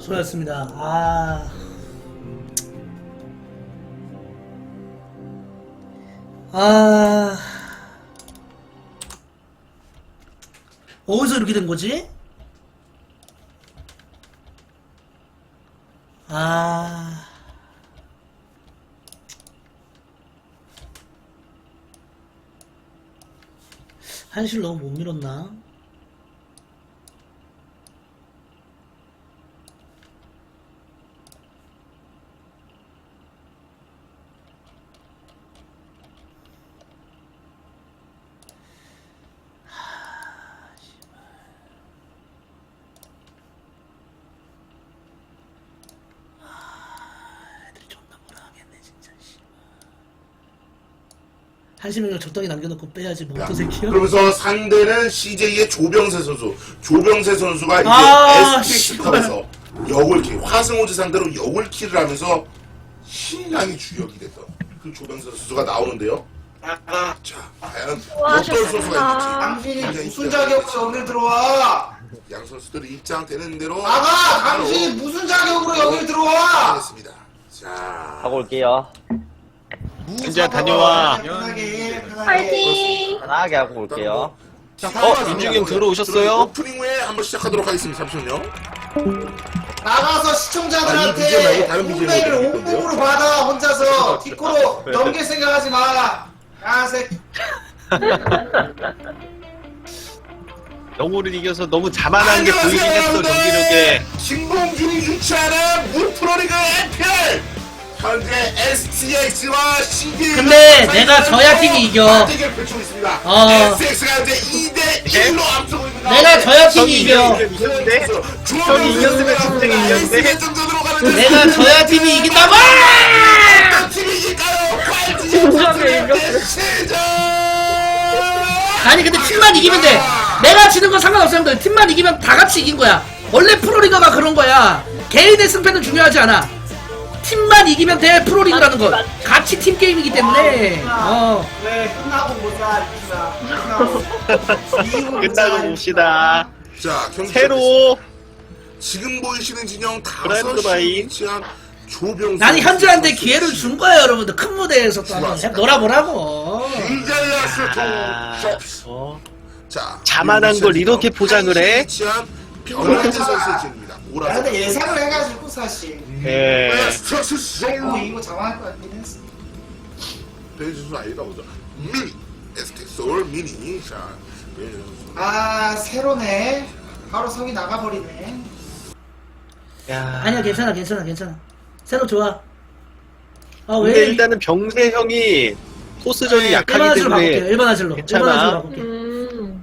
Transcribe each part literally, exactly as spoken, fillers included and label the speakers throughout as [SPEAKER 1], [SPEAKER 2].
[SPEAKER 1] 수고하셨습니다. 아. 아. 어디서 이렇게 된 거지? 아. 한실 너무 못 밀었나? 한시명령 적당히 남겨놓고 빼야지 뭐 어떤 새끼야?
[SPEAKER 2] 그러면서 상대는 씨제이의 조병세 선수. 조병세 선수가 이제
[SPEAKER 1] 아,
[SPEAKER 2] 에스피컵에서 역울킬, 화승호지 상대로 역울킬을 하면서 신랑이 주역이 됐던 그 조병세 선수가 나오는데요. 자, 과연 어떤 선수가 있을지.
[SPEAKER 3] 당신이 무슨 자격으로 여길 들어와?
[SPEAKER 2] 양 선수들이 입장되는 대로
[SPEAKER 3] 나가! 당신이 무슨 자격으로 여길 들어와?
[SPEAKER 2] 하겠습니다. 자,
[SPEAKER 4] 하고 올게요.
[SPEAKER 5] 이제 다녀와.
[SPEAKER 3] 편하게, 편하게.
[SPEAKER 6] 파이팅!
[SPEAKER 4] 편하게 하고 올게요.
[SPEAKER 5] 어, 민중이 형 들어오셨어요?
[SPEAKER 2] 오프닝 후에 한번 시작하도록 하겠습니다. 잠시만요.
[SPEAKER 3] 나가서
[SPEAKER 2] 아, 이 비지엠 말고 다른
[SPEAKER 3] 시청자들한테
[SPEAKER 2] 비지엠
[SPEAKER 3] 홈페이를
[SPEAKER 2] 어디 있던데요?
[SPEAKER 3] 온몸으로 받아 혼자서 티코로 넘길 생각하지 마. 야 새끼.
[SPEAKER 5] 영호를 이겨서 너무 자만한 게 보이긴 했어, 경기력에.
[SPEAKER 2] 김봉준이 유치하는 무프로리그 에이피엘 현재 에스티엑스와 씨제이
[SPEAKER 1] 근데 내가 져야 팀이 이겨.
[SPEAKER 2] 대결 펼치고 있습니다.
[SPEAKER 1] 어.
[SPEAKER 2] 에스티엑스가 현재 이 대 일로 앞서고 있는
[SPEAKER 1] 내가 져야 팀이 이겨.
[SPEAKER 5] 이겼는데? 형이 이겼으면 진짜 이겼는데?
[SPEAKER 1] 내가 져야 팀이 이긴다고!
[SPEAKER 2] 어떤 팀이 이길까요? 진정해 이겼어.
[SPEAKER 1] 아니 근데 팀만 이기면 돼. 내가 지는 건 상관없어 형들. 팀만 이기면 다 같이 이긴 거야. 원래 프로리그가 그런 거야. 개인의 승패는 중요하지 않아. 팀만 이기면 돼. 프로리그라는 건 같이 팀 게임이기 때문에. 어.
[SPEAKER 3] 왜 끝나고 보자 이기나.
[SPEAKER 5] 끝나고 봅시다.
[SPEAKER 2] 자, 경기
[SPEAKER 5] 새로
[SPEAKER 2] 지금 보이시는 진영
[SPEAKER 5] 브라이트
[SPEAKER 2] 다섯 시
[SPEAKER 5] 바이.
[SPEAKER 2] 위치한 조병수.
[SPEAKER 1] 나는 현주한테 기회를 준 거야 여러분들. 큰 무대에서 또 한번 해- 놀아보라고.
[SPEAKER 2] 이잘라스
[SPEAKER 5] 아,
[SPEAKER 2] 톱.
[SPEAKER 5] 어.
[SPEAKER 2] 자,
[SPEAKER 5] 자만한 걸 이렇게 포장을 해?
[SPEAKER 2] 위치한 변현재 선수의 진입니다.
[SPEAKER 3] 야,
[SPEAKER 2] 오라서.
[SPEAKER 3] 근데 예상을 해가지고 사실
[SPEAKER 5] 예.
[SPEAKER 2] 스트레스
[SPEAKER 3] 이거
[SPEAKER 2] 쇼.
[SPEAKER 3] 이거 장황할 것 같긴 했어.
[SPEAKER 2] 변현재 선수 아니다 보죠. 미니 에스티 소울 미니. 자, 변현재 선수.
[SPEAKER 3] 아 새로네. 바로 성이 나가버리네.
[SPEAKER 5] 야.
[SPEAKER 1] 아니야 괜찮아 괜찮아 괜찮아. 새로 좋아. 아
[SPEAKER 5] 근데
[SPEAKER 1] 왜?
[SPEAKER 5] 일단은 병세 형이 토스전이
[SPEAKER 1] 일반
[SPEAKER 5] 약하기
[SPEAKER 1] 화질로 바꿀게요.
[SPEAKER 5] 때문에
[SPEAKER 1] 일반 화질로.
[SPEAKER 5] 괜찮아.
[SPEAKER 1] 일반 화질로 바꿀게.
[SPEAKER 6] 음.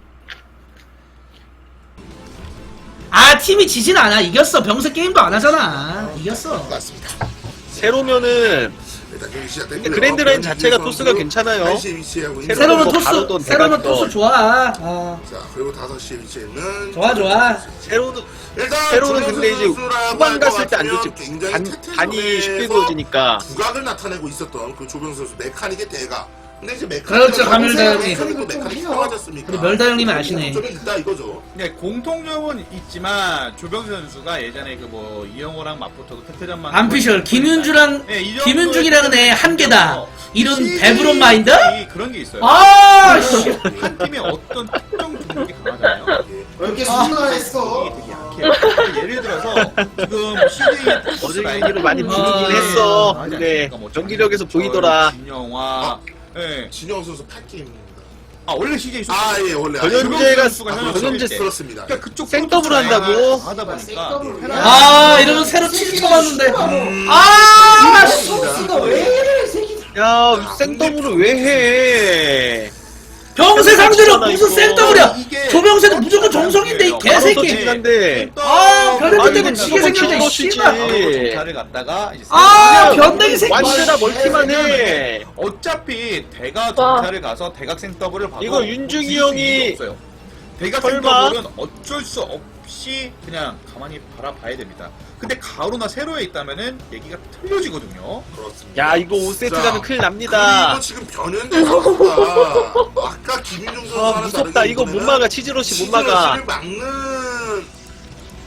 [SPEAKER 1] 아 팀이 지진 않아. 이겼어. 병세 게임도 안 하잖아. 이겼어.
[SPEAKER 2] 맞습니다.
[SPEAKER 5] 새로면은
[SPEAKER 2] 일단 경기 시작됐고요.
[SPEAKER 5] 그랜드라인 자체가
[SPEAKER 2] 변현재
[SPEAKER 5] 토스가
[SPEAKER 2] 선수
[SPEAKER 5] 괜찮아요.
[SPEAKER 2] 한 시에 위치하고 있는
[SPEAKER 5] 새로운
[SPEAKER 1] 새로면
[SPEAKER 5] 뭐 바로
[SPEAKER 1] 토스.
[SPEAKER 5] 또
[SPEAKER 1] 새로면
[SPEAKER 5] 대박이죠.
[SPEAKER 1] 토스 좋아. 어.
[SPEAKER 2] 자, 그리고 다섯 시에 위치해 있는
[SPEAKER 1] 좋아 좋아.
[SPEAKER 5] 새로는
[SPEAKER 2] 일단
[SPEAKER 5] 새로는
[SPEAKER 2] 조병수
[SPEAKER 5] 근데 이제
[SPEAKER 2] 선수라고
[SPEAKER 5] 후반
[SPEAKER 2] 할것
[SPEAKER 5] 갔을 때 안
[SPEAKER 2] 같으면
[SPEAKER 5] 좋지.
[SPEAKER 2] 굉장히
[SPEAKER 5] 반,
[SPEAKER 2] 태태전에서
[SPEAKER 5] 반이 쉽게 그어지니까.
[SPEAKER 2] 두각을 나타내고 있었던 그 조병수 선수 메카닉의 대가. 근데 이제 메카닉
[SPEAKER 1] 그렇죠, 가밀다 형님.
[SPEAKER 2] 메카닉도 메카닉 좋아졌습니까?
[SPEAKER 1] 우리 멸다 형님이 아시네.
[SPEAKER 2] 점이 있다 이거죠.
[SPEAKER 7] 네, 공통점은 있지만 조병수 선수가 예전에 그 뭐 이영호랑 맞붙어도 태태전만
[SPEAKER 1] 안피셜 김윤주랑
[SPEAKER 7] 네, 이 정도의
[SPEAKER 1] 김윤중이라는 애 한 개다. 이런 배부른 마인드?
[SPEAKER 7] 그런 게 있어요.
[SPEAKER 1] 아 씨.
[SPEAKER 7] 한 팀의 어떤 특정 종목이 강하잖아요.
[SPEAKER 3] 왜 이렇게
[SPEAKER 1] 아.
[SPEAKER 3] 순화했어?
[SPEAKER 7] 되게 약해요. 예를 들어서 지금 씨제이
[SPEAKER 5] 어제 경기를 많이 부르긴 했어. 근데 경기력에서 보이더라.
[SPEAKER 7] 진영화. 예.
[SPEAKER 2] 진영 선수 팔 게임입니다.
[SPEAKER 7] 아 원래 씨제이 선수.
[SPEAKER 2] 아, 예, 원래.
[SPEAKER 5] 변현재가
[SPEAKER 2] 아,
[SPEAKER 5] 변현재
[SPEAKER 2] 그렇습니다.
[SPEAKER 7] 그러니까 그쪽
[SPEAKER 5] 생더블 한다고?
[SPEAKER 7] 하다 보니까
[SPEAKER 3] 생더블
[SPEAKER 7] 예.
[SPEAKER 1] 아 이러면 새로 칠 쳐봤는데. 아 씨.
[SPEAKER 3] 소스가 왜 이래 이 새끼.
[SPEAKER 5] 야, 생더블을 왜 해?
[SPEAKER 1] 병세 상대로 무슨
[SPEAKER 5] 이거.
[SPEAKER 1] 센더블이야.
[SPEAKER 7] 이게
[SPEAKER 1] 조병세는 무조건 정성인데 이 개새끼.
[SPEAKER 5] 한데.
[SPEAKER 1] 아, 별의별
[SPEAKER 5] 아니,
[SPEAKER 1] 때는
[SPEAKER 5] 이거
[SPEAKER 1] 지게 생겼네.
[SPEAKER 5] 저거
[SPEAKER 1] 씨발.
[SPEAKER 5] 치지.
[SPEAKER 7] 자를 갖다가 이제
[SPEAKER 1] 아
[SPEAKER 7] 생더블.
[SPEAKER 1] 변대기 새끼.
[SPEAKER 5] 완전히 멀티만 해.
[SPEAKER 7] 어차피 대각
[SPEAKER 6] 와.
[SPEAKER 7] 정찰을 가서 대각생 더블을 봐도
[SPEAKER 5] 이거 윤중이
[SPEAKER 7] 뒤질
[SPEAKER 5] 형이
[SPEAKER 7] 이유가 없어요. 대각생
[SPEAKER 5] 설마?
[SPEAKER 7] 더블은 어쩔 수 없이 그냥 가만히 바라봐야 됩니다. 근데 가로나 세로에 있다면은 얘기가 틀려지거든요.
[SPEAKER 2] 그렇습니다.
[SPEAKER 5] 야, 이거 오 세트
[SPEAKER 2] 자,
[SPEAKER 5] 가면 큰일 납니다.
[SPEAKER 2] 그리고 지금 변현재 선수가 아까 김윤중
[SPEAKER 5] 아,
[SPEAKER 2] 선수와는
[SPEAKER 5] 무섭다.
[SPEAKER 2] 다르게
[SPEAKER 5] 이거 못
[SPEAKER 2] 이번에는
[SPEAKER 5] 막아. 치즈러시 못 막아.
[SPEAKER 2] 치즈러시를 막는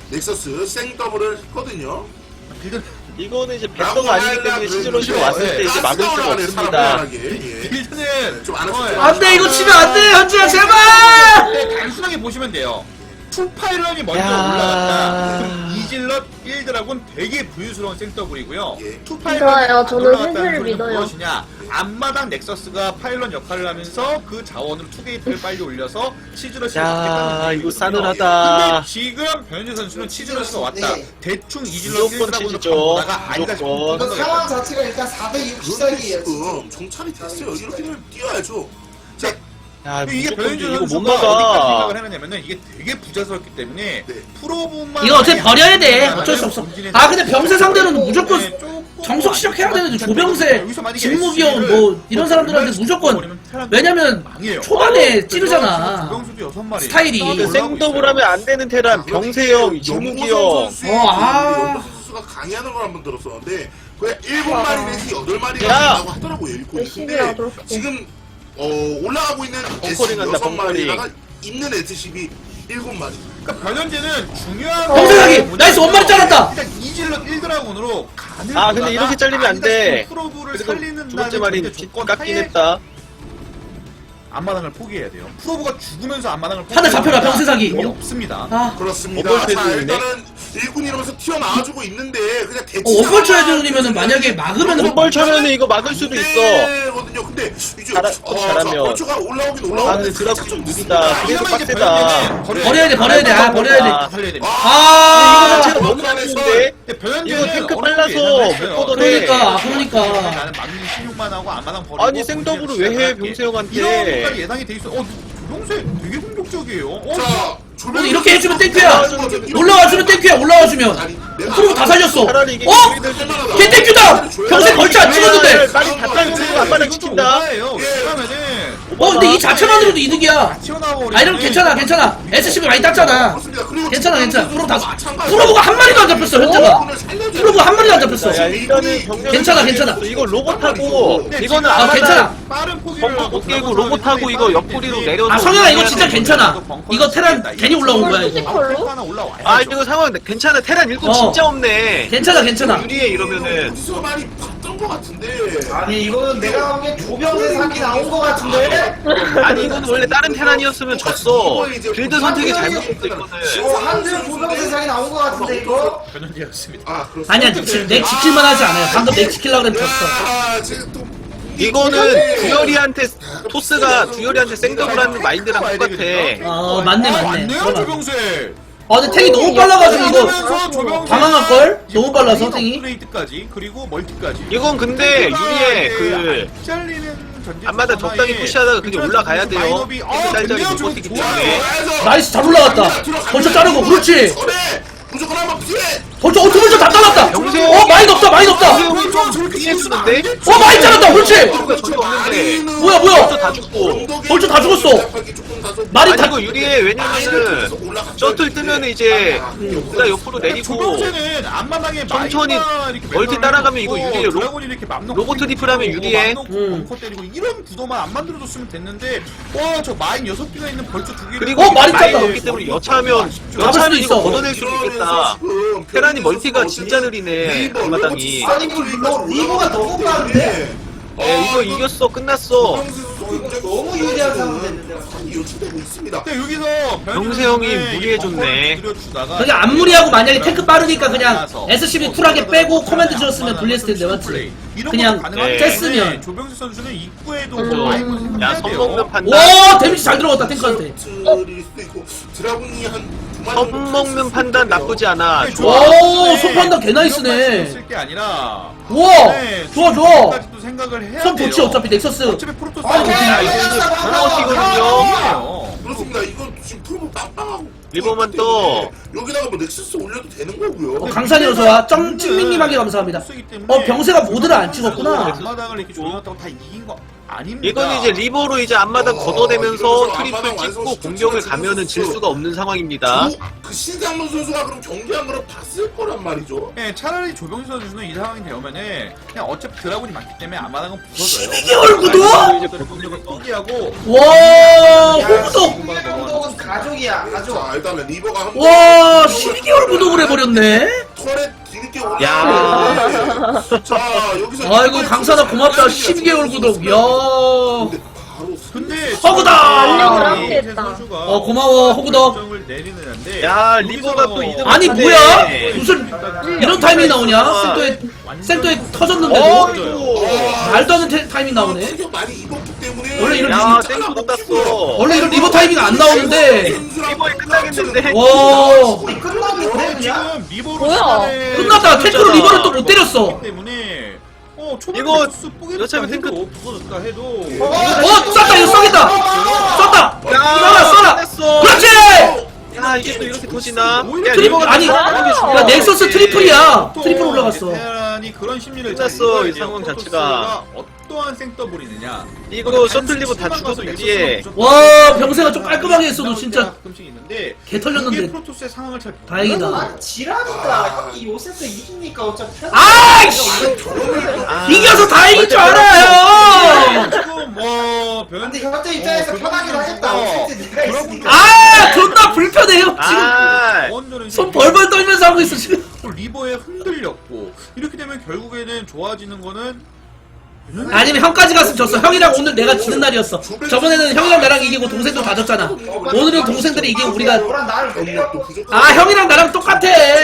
[SPEAKER 2] 넥서스 생더블을 했거든요.
[SPEAKER 7] 빌드
[SPEAKER 5] 이거는 이제 뱃서가 아니기 때문에 시즈러시로 왔을 때 이제 막을 수가 없습니다.
[SPEAKER 7] 빌드는
[SPEAKER 2] 좀 안
[SPEAKER 7] 어,
[SPEAKER 2] 하셨죠?
[SPEAKER 1] 안돼 이거 치면 안돼 현지야 제발.
[SPEAKER 7] 네, 단순하게 보시면 돼요. 풀파일런이 먼저
[SPEAKER 5] 야.
[SPEAKER 7] 올라갔다. 그럼 이질럿 일 드라군 되게 부유스러운 생더블이고요.
[SPEAKER 2] 예.
[SPEAKER 6] 믿어요. 저는
[SPEAKER 7] 올라갔다는
[SPEAKER 6] 팬들을
[SPEAKER 7] 소리는
[SPEAKER 6] 믿어요.
[SPEAKER 7] 무엇이냐? 앞마당 넥서스가 파일런 역할을 하면서 그 자원으로 투게이트를 빨리 올려서 치즈러시를
[SPEAKER 5] 야, 이거 싸늘하다.
[SPEAKER 7] 근데 지금 변현재 선수는 치즈러시가 왔다.
[SPEAKER 3] 네.
[SPEAKER 7] 대충 이질럿 일
[SPEAKER 5] 무조건
[SPEAKER 7] 드라군을
[SPEAKER 5] 치즈죠.
[SPEAKER 7] 보다가 아니다
[SPEAKER 5] 무조건.
[SPEAKER 3] 이거 상황 자체가 일단 사 대 육 시작이에요.
[SPEAKER 2] 지금 정찰이 됐어요. 이렇게 되면 뛰어야죠. 자,
[SPEAKER 5] 야,
[SPEAKER 7] 이게
[SPEAKER 5] 무조건
[SPEAKER 7] 변현재
[SPEAKER 5] 이거 못
[SPEAKER 7] 선수가 어디까지
[SPEAKER 5] 막아.
[SPEAKER 7] 생각을 해놨냐면은 이게 되게 부자스럽기 때문에
[SPEAKER 2] 네.
[SPEAKER 7] 프로분만
[SPEAKER 1] 이거 어차피
[SPEAKER 7] 많이
[SPEAKER 1] 버려야 돼.
[SPEAKER 7] 하면은
[SPEAKER 1] 어쩔 수 없어.
[SPEAKER 7] 본진에
[SPEAKER 1] 아 근데 병세 상대로는 무조건
[SPEAKER 7] 네, 조금
[SPEAKER 1] 정석 시작해야 되는데
[SPEAKER 7] 아쉽다.
[SPEAKER 1] 조병세,
[SPEAKER 7] 여기서 만약에
[SPEAKER 1] 진무기형
[SPEAKER 7] 에스씨를
[SPEAKER 1] 뭐 이런 사람들한테 무조건
[SPEAKER 7] 버리면 테란
[SPEAKER 1] 왜냐면
[SPEAKER 7] 망해요.
[SPEAKER 1] 초반에
[SPEAKER 7] 그래서
[SPEAKER 1] 찌르잖아.
[SPEAKER 7] 조병수도 여섯 마리
[SPEAKER 1] 스타일이.
[SPEAKER 5] 근데
[SPEAKER 7] 올라오고
[SPEAKER 5] 생더블
[SPEAKER 7] 있어요.
[SPEAKER 5] 하면 안 되는 테란 병세형, 진무기형.
[SPEAKER 1] 어, 아.
[SPEAKER 2] 연보 선수가 강의하는 걸 한번 들었었는데 그냥 일곱 마리 내지 여덟 마리가
[SPEAKER 5] 야.
[SPEAKER 2] 된다고 하더라고요. 일곱.
[SPEAKER 6] 열심히
[SPEAKER 2] 근데
[SPEAKER 6] 하도록 해.
[SPEAKER 2] 지금 어, 올라가고 있는
[SPEAKER 5] 벙커링 한다,
[SPEAKER 2] 여섯
[SPEAKER 5] 벙커링.
[SPEAKER 2] 마리다가 있는 에스십이 일곱 마리.
[SPEAKER 7] 그러니까 변현재는 중요한
[SPEAKER 1] 병세사기!
[SPEAKER 7] 건
[SPEAKER 1] 나이스, 원마리 잘랐다!
[SPEAKER 7] 일단 이질럿 일 드라군으로 간을
[SPEAKER 5] 아, 근데 이렇게 잘리면 안 돼.
[SPEAKER 7] 프로브를
[SPEAKER 5] 그래도
[SPEAKER 7] 살리는
[SPEAKER 5] 두 번째 말이 깎긴 했다.
[SPEAKER 7] 앞마당을 포기해야 돼요. 프로브가 죽으면서 앞마당을
[SPEAKER 1] 하나 잡혀라, 병세사기.
[SPEAKER 7] 의미 없습니다.
[SPEAKER 1] 아
[SPEAKER 2] 그렇습니다.
[SPEAKER 5] 어벌
[SPEAKER 2] 자,
[SPEAKER 5] 해주는데?
[SPEAKER 2] 일단은 일군 이러면서 튀어나와주고 있는데 그냥 대치.
[SPEAKER 1] 어, 원벌 쳐야 되면은 만약에 막으면은
[SPEAKER 5] 원벌 쳐면은 이거 막을 수도 있어.
[SPEAKER 2] 거든요. 근데 이제
[SPEAKER 5] 잘하-
[SPEAKER 2] 어,
[SPEAKER 5] 잘하면.
[SPEAKER 2] 자, 벌초가 올라오긴
[SPEAKER 5] 아,
[SPEAKER 2] 올라오는데
[SPEAKER 5] 근데 드랍
[SPEAKER 2] 살짝
[SPEAKER 5] 좀
[SPEAKER 2] 좀
[SPEAKER 5] 느리다. 그래도
[SPEAKER 7] 이러면 이제
[SPEAKER 5] 빡세다.
[SPEAKER 7] 변현재는
[SPEAKER 1] 버려야 돼, 버려야 돼. 아, 버려야 돼.
[SPEAKER 5] 아.
[SPEAKER 7] 살려야 됩니다.
[SPEAKER 1] 아
[SPEAKER 5] 자체가 너무 좋은데?
[SPEAKER 7] 근데 변현재는
[SPEAKER 5] 이거 탱크
[SPEAKER 7] 어느
[SPEAKER 5] 빨라서
[SPEAKER 7] 정도 예상을
[SPEAKER 5] 못
[SPEAKER 7] 했어요.
[SPEAKER 5] 걷어내.
[SPEAKER 1] 그러니까 그러니까
[SPEAKER 7] 나는 막는 십육만 하고 앞마당 버리고
[SPEAKER 5] 아니, 생더블을 왜 해, 병세형한테?
[SPEAKER 7] 이런 것까지 예상이 돼 있어. 어, 조병세 되게 공격적이에요. 어,
[SPEAKER 2] 자,
[SPEAKER 1] 근데 이렇게 해주면 땡큐야. 올라와주면 땡큐야. 올라와주면 프로브 다 살렸어.
[SPEAKER 5] 차라리 이게
[SPEAKER 1] 어? 걔 땡큐다. 병세 벌쳐 안 찍었는데.
[SPEAKER 5] 빨리 다 딸고 앞바닥 지킨다.
[SPEAKER 7] 그러면은
[SPEAKER 1] 어 근데 이 자체만으로도 이득이야.
[SPEAKER 7] 튀어나와
[SPEAKER 1] 아 이러면 괜찮아 괜찮아. 에스씨비 많이 땄잖아.
[SPEAKER 2] 그렇습니다. 그리고
[SPEAKER 1] 괜찮아 괜찮아. 프로브 다
[SPEAKER 2] 마찬가지로
[SPEAKER 1] 프로브가 한 마리도 안 잡혔어 현재가. 프로브 한 마리도 안 잡혔어.
[SPEAKER 5] 야, 일단은 병력
[SPEAKER 1] 괜찮아, 괜찮아.
[SPEAKER 5] 이거 로봇하고 이거는
[SPEAKER 1] 아
[SPEAKER 5] 아마다
[SPEAKER 1] 괜찮아.
[SPEAKER 7] 빠른 포기를
[SPEAKER 5] 벙커 못 깨고 로봇하고 이거 옆구리로 내려서
[SPEAKER 1] 아 성현아 이거 진짜 괜찮아. 이거 테란 괜히 올라온 거야 이거.
[SPEAKER 7] 하나 올라와요.
[SPEAKER 5] 아 이거 상황 괜찮아. 테란 일꾼
[SPEAKER 1] 어.
[SPEAKER 5] 진짜 없네.
[SPEAKER 1] 괜찮아 괜찮아.
[SPEAKER 5] 유리해 이러면은.
[SPEAKER 2] 어디서 많이 봤던 것 같은데.
[SPEAKER 3] 아니 이거는 내가 보기엔 조병세 사기 나온 거 같은데?
[SPEAKER 5] 아니 이거는 원래 다른 테란이었으면 졌어. 빌드 선택이 잘못됐어 이거는.
[SPEAKER 3] 어, 한줄 조병세 사기 나온 거 같은데 이거?
[SPEAKER 7] 변현재였습니다.
[SPEAKER 2] 아, 그렇습니다.
[SPEAKER 1] 아니야 지- 넥 지킬만 하지 않아요. 방금 넥 지키려고 그랬는데 졌어.
[SPEAKER 2] 아, 지금 또
[SPEAKER 5] 이거는 두열이한테 토스가 두열이한테 생더블하는 마인드랑 똑같아.
[SPEAKER 1] 어 맞네 맞네.
[SPEAKER 7] 맞네요
[SPEAKER 1] 그러나.
[SPEAKER 7] 조병세.
[SPEAKER 1] 아 근데 탱이 너무 빨라가지고 이거
[SPEAKER 7] 그러면서 조병세
[SPEAKER 1] 당황할걸? 너무 빨라서 탱이.
[SPEAKER 7] 업그레이드까지 그리고 멀티까지.
[SPEAKER 5] 이건 근데 유리해 그
[SPEAKER 7] 잘리는 전진
[SPEAKER 5] 앞마다 적당히 푸시하다가 그게 올라가야 돼요.
[SPEAKER 7] 마인업이- 어,
[SPEAKER 5] 탱크 짤짤이
[SPEAKER 7] 좋네요.
[SPEAKER 5] 못 버티기
[SPEAKER 7] 좋아요.
[SPEAKER 5] 때문에.
[SPEAKER 1] 나이스 잘 올라갔다. 벌써 자르고 그렇지.
[SPEAKER 2] 전에 무조건 한번 피해.
[SPEAKER 1] 벌써 어떻게 벌써 다 잘랐다.
[SPEAKER 5] 영세요.
[SPEAKER 1] 어 많이 높다 많이 높다.
[SPEAKER 5] 형이 좀 피해주는데?
[SPEAKER 1] 어 많이 잘랐다 그렇지.
[SPEAKER 5] 저거 저거 없는데.
[SPEAKER 1] 뭐야 뭐야.
[SPEAKER 5] 벌써 다 죽고.
[SPEAKER 1] 벌써 다 죽었어. 말이
[SPEAKER 5] 아니
[SPEAKER 1] 다.
[SPEAKER 5] 이거 유리해. 왜냐면은 셔틀 뜨면 이제 누가 옆으로 내리고
[SPEAKER 7] 조병세는 앞마당에
[SPEAKER 5] 천천히
[SPEAKER 7] 마이크가 이렇게
[SPEAKER 5] 멀티
[SPEAKER 7] 매달려
[SPEAKER 5] 따라가면
[SPEAKER 7] 있고
[SPEAKER 5] 이거 유리해요. 로-
[SPEAKER 7] 드라곤이 이렇게 맘 놓고
[SPEAKER 5] 로봇 트리플 하면
[SPEAKER 7] 있고,
[SPEAKER 5] 유리해.
[SPEAKER 7] 맘 놓고
[SPEAKER 1] 음.
[SPEAKER 7] 벙커 때리고 이런 구도만 안 만들어줬으면 됐는데 와저 마인 여섯 개가 있는 벌써 두 개.
[SPEAKER 5] 그리고
[SPEAKER 1] 어, 많이
[SPEAKER 5] 마인이
[SPEAKER 1] 땄다.
[SPEAKER 5] 없기 때문에 여차하면
[SPEAKER 1] 수도
[SPEAKER 5] 여차하면
[SPEAKER 1] 있어.
[SPEAKER 5] 이거 걷어낼 수 있겠다. 테란이 멀티가 진짜 느리네. 앞마당이.
[SPEAKER 3] 아니 이거 리버, 리버가 너무 빠른데?
[SPEAKER 5] 예, 이거 이겼어. 끝났어.
[SPEAKER 3] 너무 유리한 상황 됐는데
[SPEAKER 2] 요청되고 있습니다.
[SPEAKER 7] 근데 여기서
[SPEAKER 5] 병세 형이 무리해줬네.
[SPEAKER 1] 그게 안 무리하고 만약에 탱크 빠르니까 그냥 에스씨비 쿨하게 빼고 코맨드 지었으면 불리했을 텐데 맞지? 그냥 쬐으면.
[SPEAKER 7] 조병세 선수는 입구에도
[SPEAKER 1] 음.
[SPEAKER 7] 뭐 마인 걸
[SPEAKER 5] 야,
[SPEAKER 7] 생각해야
[SPEAKER 5] 선
[SPEAKER 7] 돼요.
[SPEAKER 5] 먹는 판단.
[SPEAKER 1] 와 데미지 잘 들어갔다 탱크한테.
[SPEAKER 2] 드릴 수도 있고 드라군이 한두 마리
[SPEAKER 5] 선
[SPEAKER 2] 정도
[SPEAKER 5] 먹는 판단 나쁘지 않아.
[SPEAKER 7] 네,
[SPEAKER 5] 좋아.
[SPEAKER 1] 오, 손 판단 개 나이스네.
[SPEAKER 7] 쓸게 아니라
[SPEAKER 1] 우와
[SPEAKER 7] 네,
[SPEAKER 1] 좋아 좋아.
[SPEAKER 7] 까지도 생각을 해야
[SPEAKER 1] 손
[SPEAKER 7] 돼요.
[SPEAKER 1] 좋지 어차피 넥서스.
[SPEAKER 7] 어차피 프로토스
[SPEAKER 3] 아, 오케이.
[SPEAKER 5] 야, 이거 이제 번아웃이거든요.
[SPEAKER 2] 그렇습니다. 이거 지금 프로모 빵빵하고
[SPEAKER 5] 리버만 떠.
[SPEAKER 2] 여기다가 뭐 넥서스 올려도 되는 거고요.
[SPEAKER 1] 어, 강산이 어서 와. 쩡 찡민님하게 감사합니다. 어 병세가 모드를 안 찍었구나.
[SPEAKER 7] 앞마당을 이렇게 조용하다고 다 이긴 거 아닙니다.
[SPEAKER 5] 이건 이제 리버로 이제 앞마당
[SPEAKER 2] 어,
[SPEAKER 5] 걷어내면서
[SPEAKER 2] 이러면서
[SPEAKER 5] 트리플
[SPEAKER 2] 앞마당
[SPEAKER 5] 찍고
[SPEAKER 2] 완성
[SPEAKER 5] 공격을
[SPEAKER 2] 시켰지,
[SPEAKER 5] 가면은 질
[SPEAKER 2] 선수.
[SPEAKER 5] 수가 없는 상황입니다.
[SPEAKER 2] 조- 그 신상문 선수가 그럼 경기한 거를 봤을 거란 말이죠.
[SPEAKER 7] 네, 차라리 조병수 선수는 이 상황이 되면은 그냥 어차피 드라군이 많기 때문에 앞마당은 부서져요.
[SPEAKER 1] 십이 개월 구독?
[SPEAKER 7] 이제 공격을 포기하고
[SPEAKER 1] 와 호구독
[SPEAKER 3] 신의 감독은 가족이야 가족.
[SPEAKER 2] 자 일단은 리버가 한
[SPEAKER 1] 와 십이 개월 구독을 해버렸네.
[SPEAKER 2] 털에 뒤늦게
[SPEAKER 5] 야.
[SPEAKER 2] 올라오는데 자 여기서
[SPEAKER 1] 아이고 강사다 고맙다. 십이 개월 구독. 야.
[SPEAKER 2] 근데 바로
[SPEAKER 7] 근데
[SPEAKER 1] 허구다!
[SPEAKER 6] 안녕을
[SPEAKER 7] 지금
[SPEAKER 6] 함께 했다.
[SPEAKER 7] 선수가
[SPEAKER 1] 어, 고마워, 허구다.
[SPEAKER 7] 결정을 내리는데
[SPEAKER 5] 야, 리버가 또 이득
[SPEAKER 1] 아니
[SPEAKER 5] 네.
[SPEAKER 1] 뭐야? 무슨 이런 타이밍 나오냐? 센터에 센터에 터졌는데도
[SPEAKER 5] 어,
[SPEAKER 1] 말도 안 되는 타이밍 나오네.
[SPEAKER 2] 충격 많이 입었기 때문에
[SPEAKER 1] 원래 이런
[SPEAKER 5] 야,
[SPEAKER 1] 리버-
[SPEAKER 5] 땡크도 땄어.
[SPEAKER 1] 원래 이런 리버 타이밍 안 나오는데.
[SPEAKER 5] 리버에 끝나겠는데.
[SPEAKER 1] 와
[SPEAKER 3] 끝나는데 그냥.
[SPEAKER 7] 지금 리버로
[SPEAKER 6] 뭐야?
[SPEAKER 7] 시간을
[SPEAKER 1] 끝났다. 탱크로 리버를 또 못 때렸어.
[SPEAKER 7] 때문에 어 초반
[SPEAKER 5] 이거
[SPEAKER 7] 스 뽀개졌다
[SPEAKER 5] 여차하면
[SPEAKER 7] 해도
[SPEAKER 5] 탱크-
[SPEAKER 7] 부서졌다 해도
[SPEAKER 1] 어 쐈다 이거 쏘겠다. 쐈다. 쏴라
[SPEAKER 5] 야,
[SPEAKER 1] 쏴라.
[SPEAKER 5] 끝냈어.
[SPEAKER 1] 그렇지.
[SPEAKER 5] 야, 이게 또 이렇게 터지나? 야,
[SPEAKER 1] 트리플
[SPEAKER 5] 리버가
[SPEAKER 1] 아니 야 넥서스 트리플이야. 트리플 올라갔어.
[SPEAKER 7] 베테랑이 그런 심리를
[SPEAKER 5] 끝났어,
[SPEAKER 7] 잘 읽어야
[SPEAKER 5] 이
[SPEAKER 7] 돼요.
[SPEAKER 5] 상황
[SPEAKER 7] 프로토스가
[SPEAKER 5] 자체가.
[SPEAKER 7] 어떠한 생더블이느냐.
[SPEAKER 5] 이거 셔틀 리버 다 죽어도 유리해.
[SPEAKER 1] 와, 병세가 좀 깔끔하게 했어도 진짜
[SPEAKER 7] 가끔씩 있는데
[SPEAKER 1] 개 털렸는데.
[SPEAKER 7] 그게 프로토스의 상황을 잘
[SPEAKER 1] 다행이다.
[SPEAKER 3] 아 지랄이다. 이 요새도 이기니까 어차피.
[SPEAKER 1] 아이씨
[SPEAKER 5] 아,
[SPEAKER 1] 이겨서 다행인 줄 알아요.
[SPEAKER 7] 지금 뭐
[SPEAKER 3] 근데 현재 입장에서
[SPEAKER 7] 어,
[SPEAKER 3] 편하긴
[SPEAKER 7] 그런
[SPEAKER 3] 하겠다.
[SPEAKER 7] 분들도
[SPEAKER 3] 어쨌든 네가
[SPEAKER 7] 그런
[SPEAKER 3] 있으니까.
[SPEAKER 1] 아 존나 불편해요 지금.
[SPEAKER 5] 아,
[SPEAKER 7] 원조는
[SPEAKER 1] 손 벌벌 떨면서 하고 있어 지금.
[SPEAKER 7] 리버에 흔들렸고 이렇게 되면 결국에는 좋아지는 거는
[SPEAKER 1] 아니면 형까지 갔으면 졌어. 형이랑 오늘 내가 지는 날이었어. 저번에는 형이랑 나랑 이기고 동생도 다 졌잖아. 오늘은 동생들이 이기고 우리가
[SPEAKER 3] 너랑 나를
[SPEAKER 2] 경력도 부족하고
[SPEAKER 1] 아 형이랑 나랑 똑같아.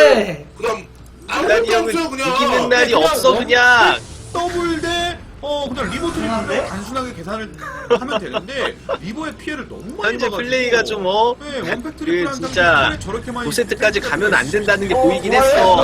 [SPEAKER 2] 그다음
[SPEAKER 5] 날이 형은
[SPEAKER 2] 없어요, 그냥.
[SPEAKER 5] 이기는 날이
[SPEAKER 7] 그냥
[SPEAKER 5] 없어 그냥.
[SPEAKER 7] 더블 대 어 그냥 리버
[SPEAKER 3] 그만한데?
[SPEAKER 7] 트리플로 단순하게 계산을 하면 되는데 리버의 피해를 너무 많이
[SPEAKER 5] 현재
[SPEAKER 7] 봐가지고
[SPEAKER 5] 플레이가 좀 어,
[SPEAKER 7] 네, 원팩
[SPEAKER 5] 그
[SPEAKER 7] 트리플 한
[SPEAKER 5] 진짜
[SPEAKER 7] 저렇게 많이
[SPEAKER 5] 오 세트까지 가면 안 된다는 게 보이긴 했어.
[SPEAKER 1] 와!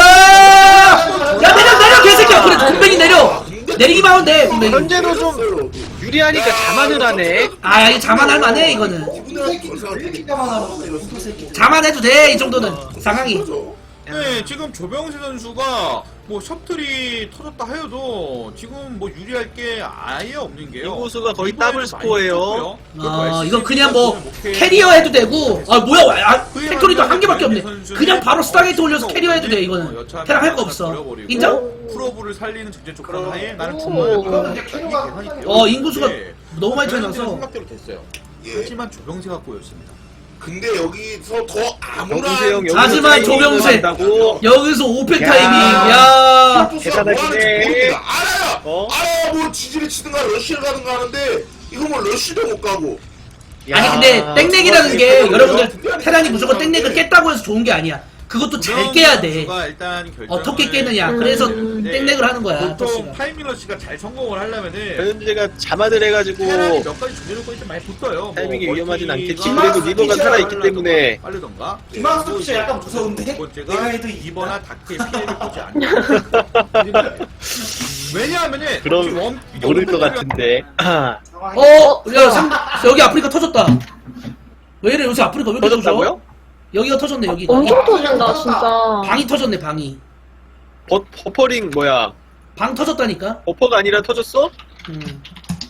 [SPEAKER 1] 야 내려 내려 개새끼야. 그래 군뱅이 내려. 내리기만 하면 돼 군뱅이.
[SPEAKER 5] 현재도 좀 유리하니까 자만을 하네.
[SPEAKER 1] 아 이거 자만할 만해 이거는.
[SPEAKER 3] 왜 이렇게 까만하고 이 새끼.
[SPEAKER 1] 자만해도 돼 이 정도는 상황이.
[SPEAKER 7] 네, 지금 조병세 선수가 뭐 셔틀이 터졌다 해도 지금 뭐 유리할 게 아예 없는 게요.
[SPEAKER 5] 인구수가 거의
[SPEAKER 7] 리버에도
[SPEAKER 5] 더블
[SPEAKER 7] 많이
[SPEAKER 5] 스코어예요.
[SPEAKER 7] 떴고요.
[SPEAKER 1] 아
[SPEAKER 7] 그리고
[SPEAKER 1] 이거 그냥 뭐
[SPEAKER 7] 에스씨
[SPEAKER 1] 캐리어 해도 되고. 아 뭐야 아, 팩토리도 한 개밖에 없네. 그냥 바로 스타게이트 올려서 캐리어 해도 돼 이거는. 테랑 할 거 없어. 인정?
[SPEAKER 7] 프로브를 살리는 전제 조건 하에 나는
[SPEAKER 6] 오.
[SPEAKER 7] 중간에
[SPEAKER 3] 그러면 이제 캐리어가
[SPEAKER 1] 어 인구수가 너무 많이 차이 나서.
[SPEAKER 7] 생각대로 됐어요.
[SPEAKER 2] 예.
[SPEAKER 7] 하지만 조병세가 꼬였습니다.
[SPEAKER 2] 근데 여기서 더 아무런
[SPEAKER 5] 정세 형
[SPEAKER 1] 하지만 조병세
[SPEAKER 5] 한다고.
[SPEAKER 1] 여기서 오펜
[SPEAKER 5] 야.
[SPEAKER 1] 타이밍. 야.
[SPEAKER 5] 계산하시네.
[SPEAKER 2] 알아요.
[SPEAKER 5] 어?
[SPEAKER 2] 알아요. 뭐 지지를 치든가 러쉬를 가든가 하는데 이거 뭐 러쉬도 못 가고.
[SPEAKER 1] 아니 근데 땡넥이라는 게 여러분들 테란이 무조건 땡넥을 깼다고 해서 좋은 게 아니야. 그것도 잘 깨야 돼. 어떻게 깨느냐. 그래서
[SPEAKER 6] 음.
[SPEAKER 1] 땡넥을 하는 거야.
[SPEAKER 7] 보통
[SPEAKER 1] 토스가.
[SPEAKER 7] 파이밀러 씨가 잘 성공을 하려면은
[SPEAKER 5] 현재가 자만을 해가지고
[SPEAKER 7] 테란이 몇 가지 조절 요건이 좀 많이 붙어요.
[SPEAKER 5] 타이밍이
[SPEAKER 7] 뭐
[SPEAKER 5] 위험하진
[SPEAKER 7] 멀티가
[SPEAKER 5] 않겠지. 그래도 리버가 살아있기 때문에.
[SPEAKER 7] 빠르던가.
[SPEAKER 3] 김학수 피처 약간 무서운데?
[SPEAKER 7] 두
[SPEAKER 3] 내가
[SPEAKER 7] 번째가
[SPEAKER 3] 해도
[SPEAKER 7] 이버나 다크의 피해를 보지 않는. 왜냐하면은
[SPEAKER 5] 그럼
[SPEAKER 7] 지금 원-
[SPEAKER 5] 모를 것
[SPEAKER 7] 원팩
[SPEAKER 5] 같은데.
[SPEAKER 1] 어, 야, 상, 여기 아프리카 터졌다. 왜 이래, 요새 아프리카 왜 이렇게 터져?
[SPEAKER 5] 터졌다고요?
[SPEAKER 1] 여기가 터졌네, 여기가.
[SPEAKER 6] 엄청 터진다 진짜.
[SPEAKER 1] 방이 터졌네, 방이.
[SPEAKER 5] 버, 버퍼링 뭐야?
[SPEAKER 1] 방 터졌다니까?
[SPEAKER 5] 버퍼가 아니라 터졌어?
[SPEAKER 1] 음.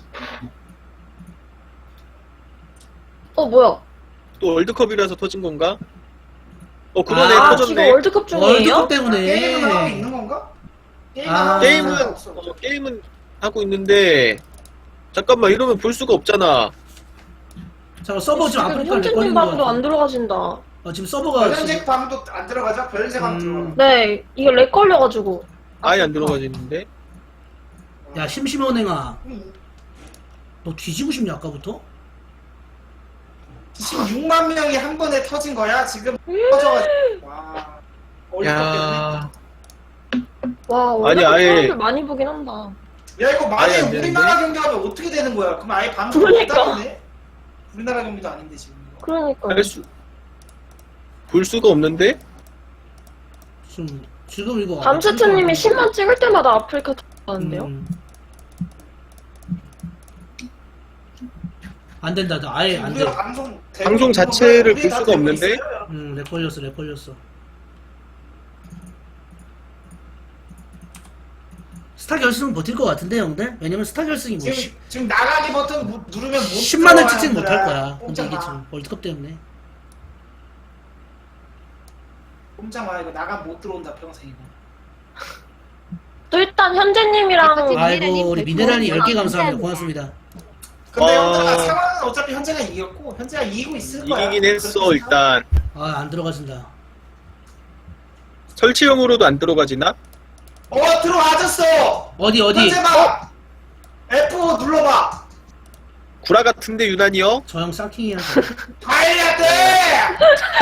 [SPEAKER 6] 어 뭐야?
[SPEAKER 5] 또 월드컵이라서 터진 건가? 어 그러네
[SPEAKER 1] 아,
[SPEAKER 6] 아 지금
[SPEAKER 5] 터졌네.
[SPEAKER 6] 월드컵 중이에요?
[SPEAKER 1] 월드컵
[SPEAKER 3] 게임은 하고
[SPEAKER 1] 때문에.
[SPEAKER 3] 있는 건가?
[SPEAKER 1] 아.
[SPEAKER 5] 게임은 어, 게임은 하고 있는데 잠깐만 이러면 볼 수가 없잖아.
[SPEAKER 1] 잠깐, 서버 지금
[SPEAKER 6] 지금
[SPEAKER 1] 아프리카 렉
[SPEAKER 6] 현진님
[SPEAKER 1] 걸리는 거
[SPEAKER 6] 방도 안
[SPEAKER 1] 같아.
[SPEAKER 6] 들어가진다.
[SPEAKER 1] 어, 지금 서버가.
[SPEAKER 3] 변현재
[SPEAKER 1] 지금,
[SPEAKER 3] 방도 안 들어가자. 변현재 방
[SPEAKER 1] 음.
[SPEAKER 3] 들어가.
[SPEAKER 6] 네, 이게 렉 걸려가지고.
[SPEAKER 5] 아예 안 들어가지는데.
[SPEAKER 1] 야, 심심원행아. 너 뒤지고 싶냐, 아까부터?
[SPEAKER 3] 십육만 명이 한 번에 터진 거야. 지금 터져가지고. 와. 월드컵 때문에.
[SPEAKER 5] 야.
[SPEAKER 6] 와
[SPEAKER 5] 아니,
[SPEAKER 6] 월드컵
[SPEAKER 5] 아예-
[SPEAKER 6] 사람들 많이 보긴 한다.
[SPEAKER 3] 야 이거 만약에
[SPEAKER 5] 아예 안 되는데?
[SPEAKER 3] 우리나라 경기하면 어떻게 되는 거야? 그럼 아예 방송
[SPEAKER 6] 그러니까.
[SPEAKER 3] 못하겠네? 우리나라 경기도 아닌데 지금.
[SPEAKER 6] 그러니까.
[SPEAKER 5] 할 수. 볼 수가 없는데?
[SPEAKER 1] 지금, 지금 이거.
[SPEAKER 6] 밤세트님이 십만 찍을 때마다 아프리카 터졌는데요?
[SPEAKER 1] 음. 안 된다, 나 아예 안 돼.
[SPEAKER 3] 우리가 방송
[SPEAKER 5] 방송 자체를 볼
[SPEAKER 3] 우리 다
[SPEAKER 5] 수가
[SPEAKER 3] 되고
[SPEAKER 5] 없는데?
[SPEAKER 3] 있어요.
[SPEAKER 1] 음, 렉 걸렸어, 렉 걸렸어. 스타 결승은 버틸 것 같은데 형들? 왜냐면 스타 결승이 뭐
[SPEAKER 3] 지금 지금 나가기 버튼 무- 누르면 못
[SPEAKER 1] 십만 원
[SPEAKER 3] 들어와,
[SPEAKER 1] 찍지는 못할
[SPEAKER 3] 얘들아.
[SPEAKER 1] 거야. 근데
[SPEAKER 3] 꼼짝
[SPEAKER 1] 이게
[SPEAKER 3] 마.
[SPEAKER 1] 지금 월드컵 때문에.
[SPEAKER 3] 꼼짝 마. 이거 나가 못 들어온다 평생 이거.
[SPEAKER 6] 또 일단 현재님이랑
[SPEAKER 1] 아이고 우리 미네랄이 열 개
[SPEAKER 6] 안
[SPEAKER 1] 감사합니다.
[SPEAKER 6] 돼.
[SPEAKER 1] 고맙습니다.
[SPEAKER 3] 근데
[SPEAKER 5] 어.
[SPEAKER 3] 현재가 상황은 어차피 현재가 이겼고 현재가 이기고 있을 거야.
[SPEAKER 5] 이기긴 했어
[SPEAKER 3] 그렇게
[SPEAKER 5] 일단.
[SPEAKER 1] 아 안 들어가진다.
[SPEAKER 5] 설치형으로도 안 들어가지나?
[SPEAKER 3] 어 들어와졌어.
[SPEAKER 1] 어디 어디?
[SPEAKER 3] 현재 봐. 에프 눌러봐.
[SPEAKER 5] 구라 같은데 유난히요?
[SPEAKER 1] 저 형 쌍킹이야.
[SPEAKER 3] 가야 돼.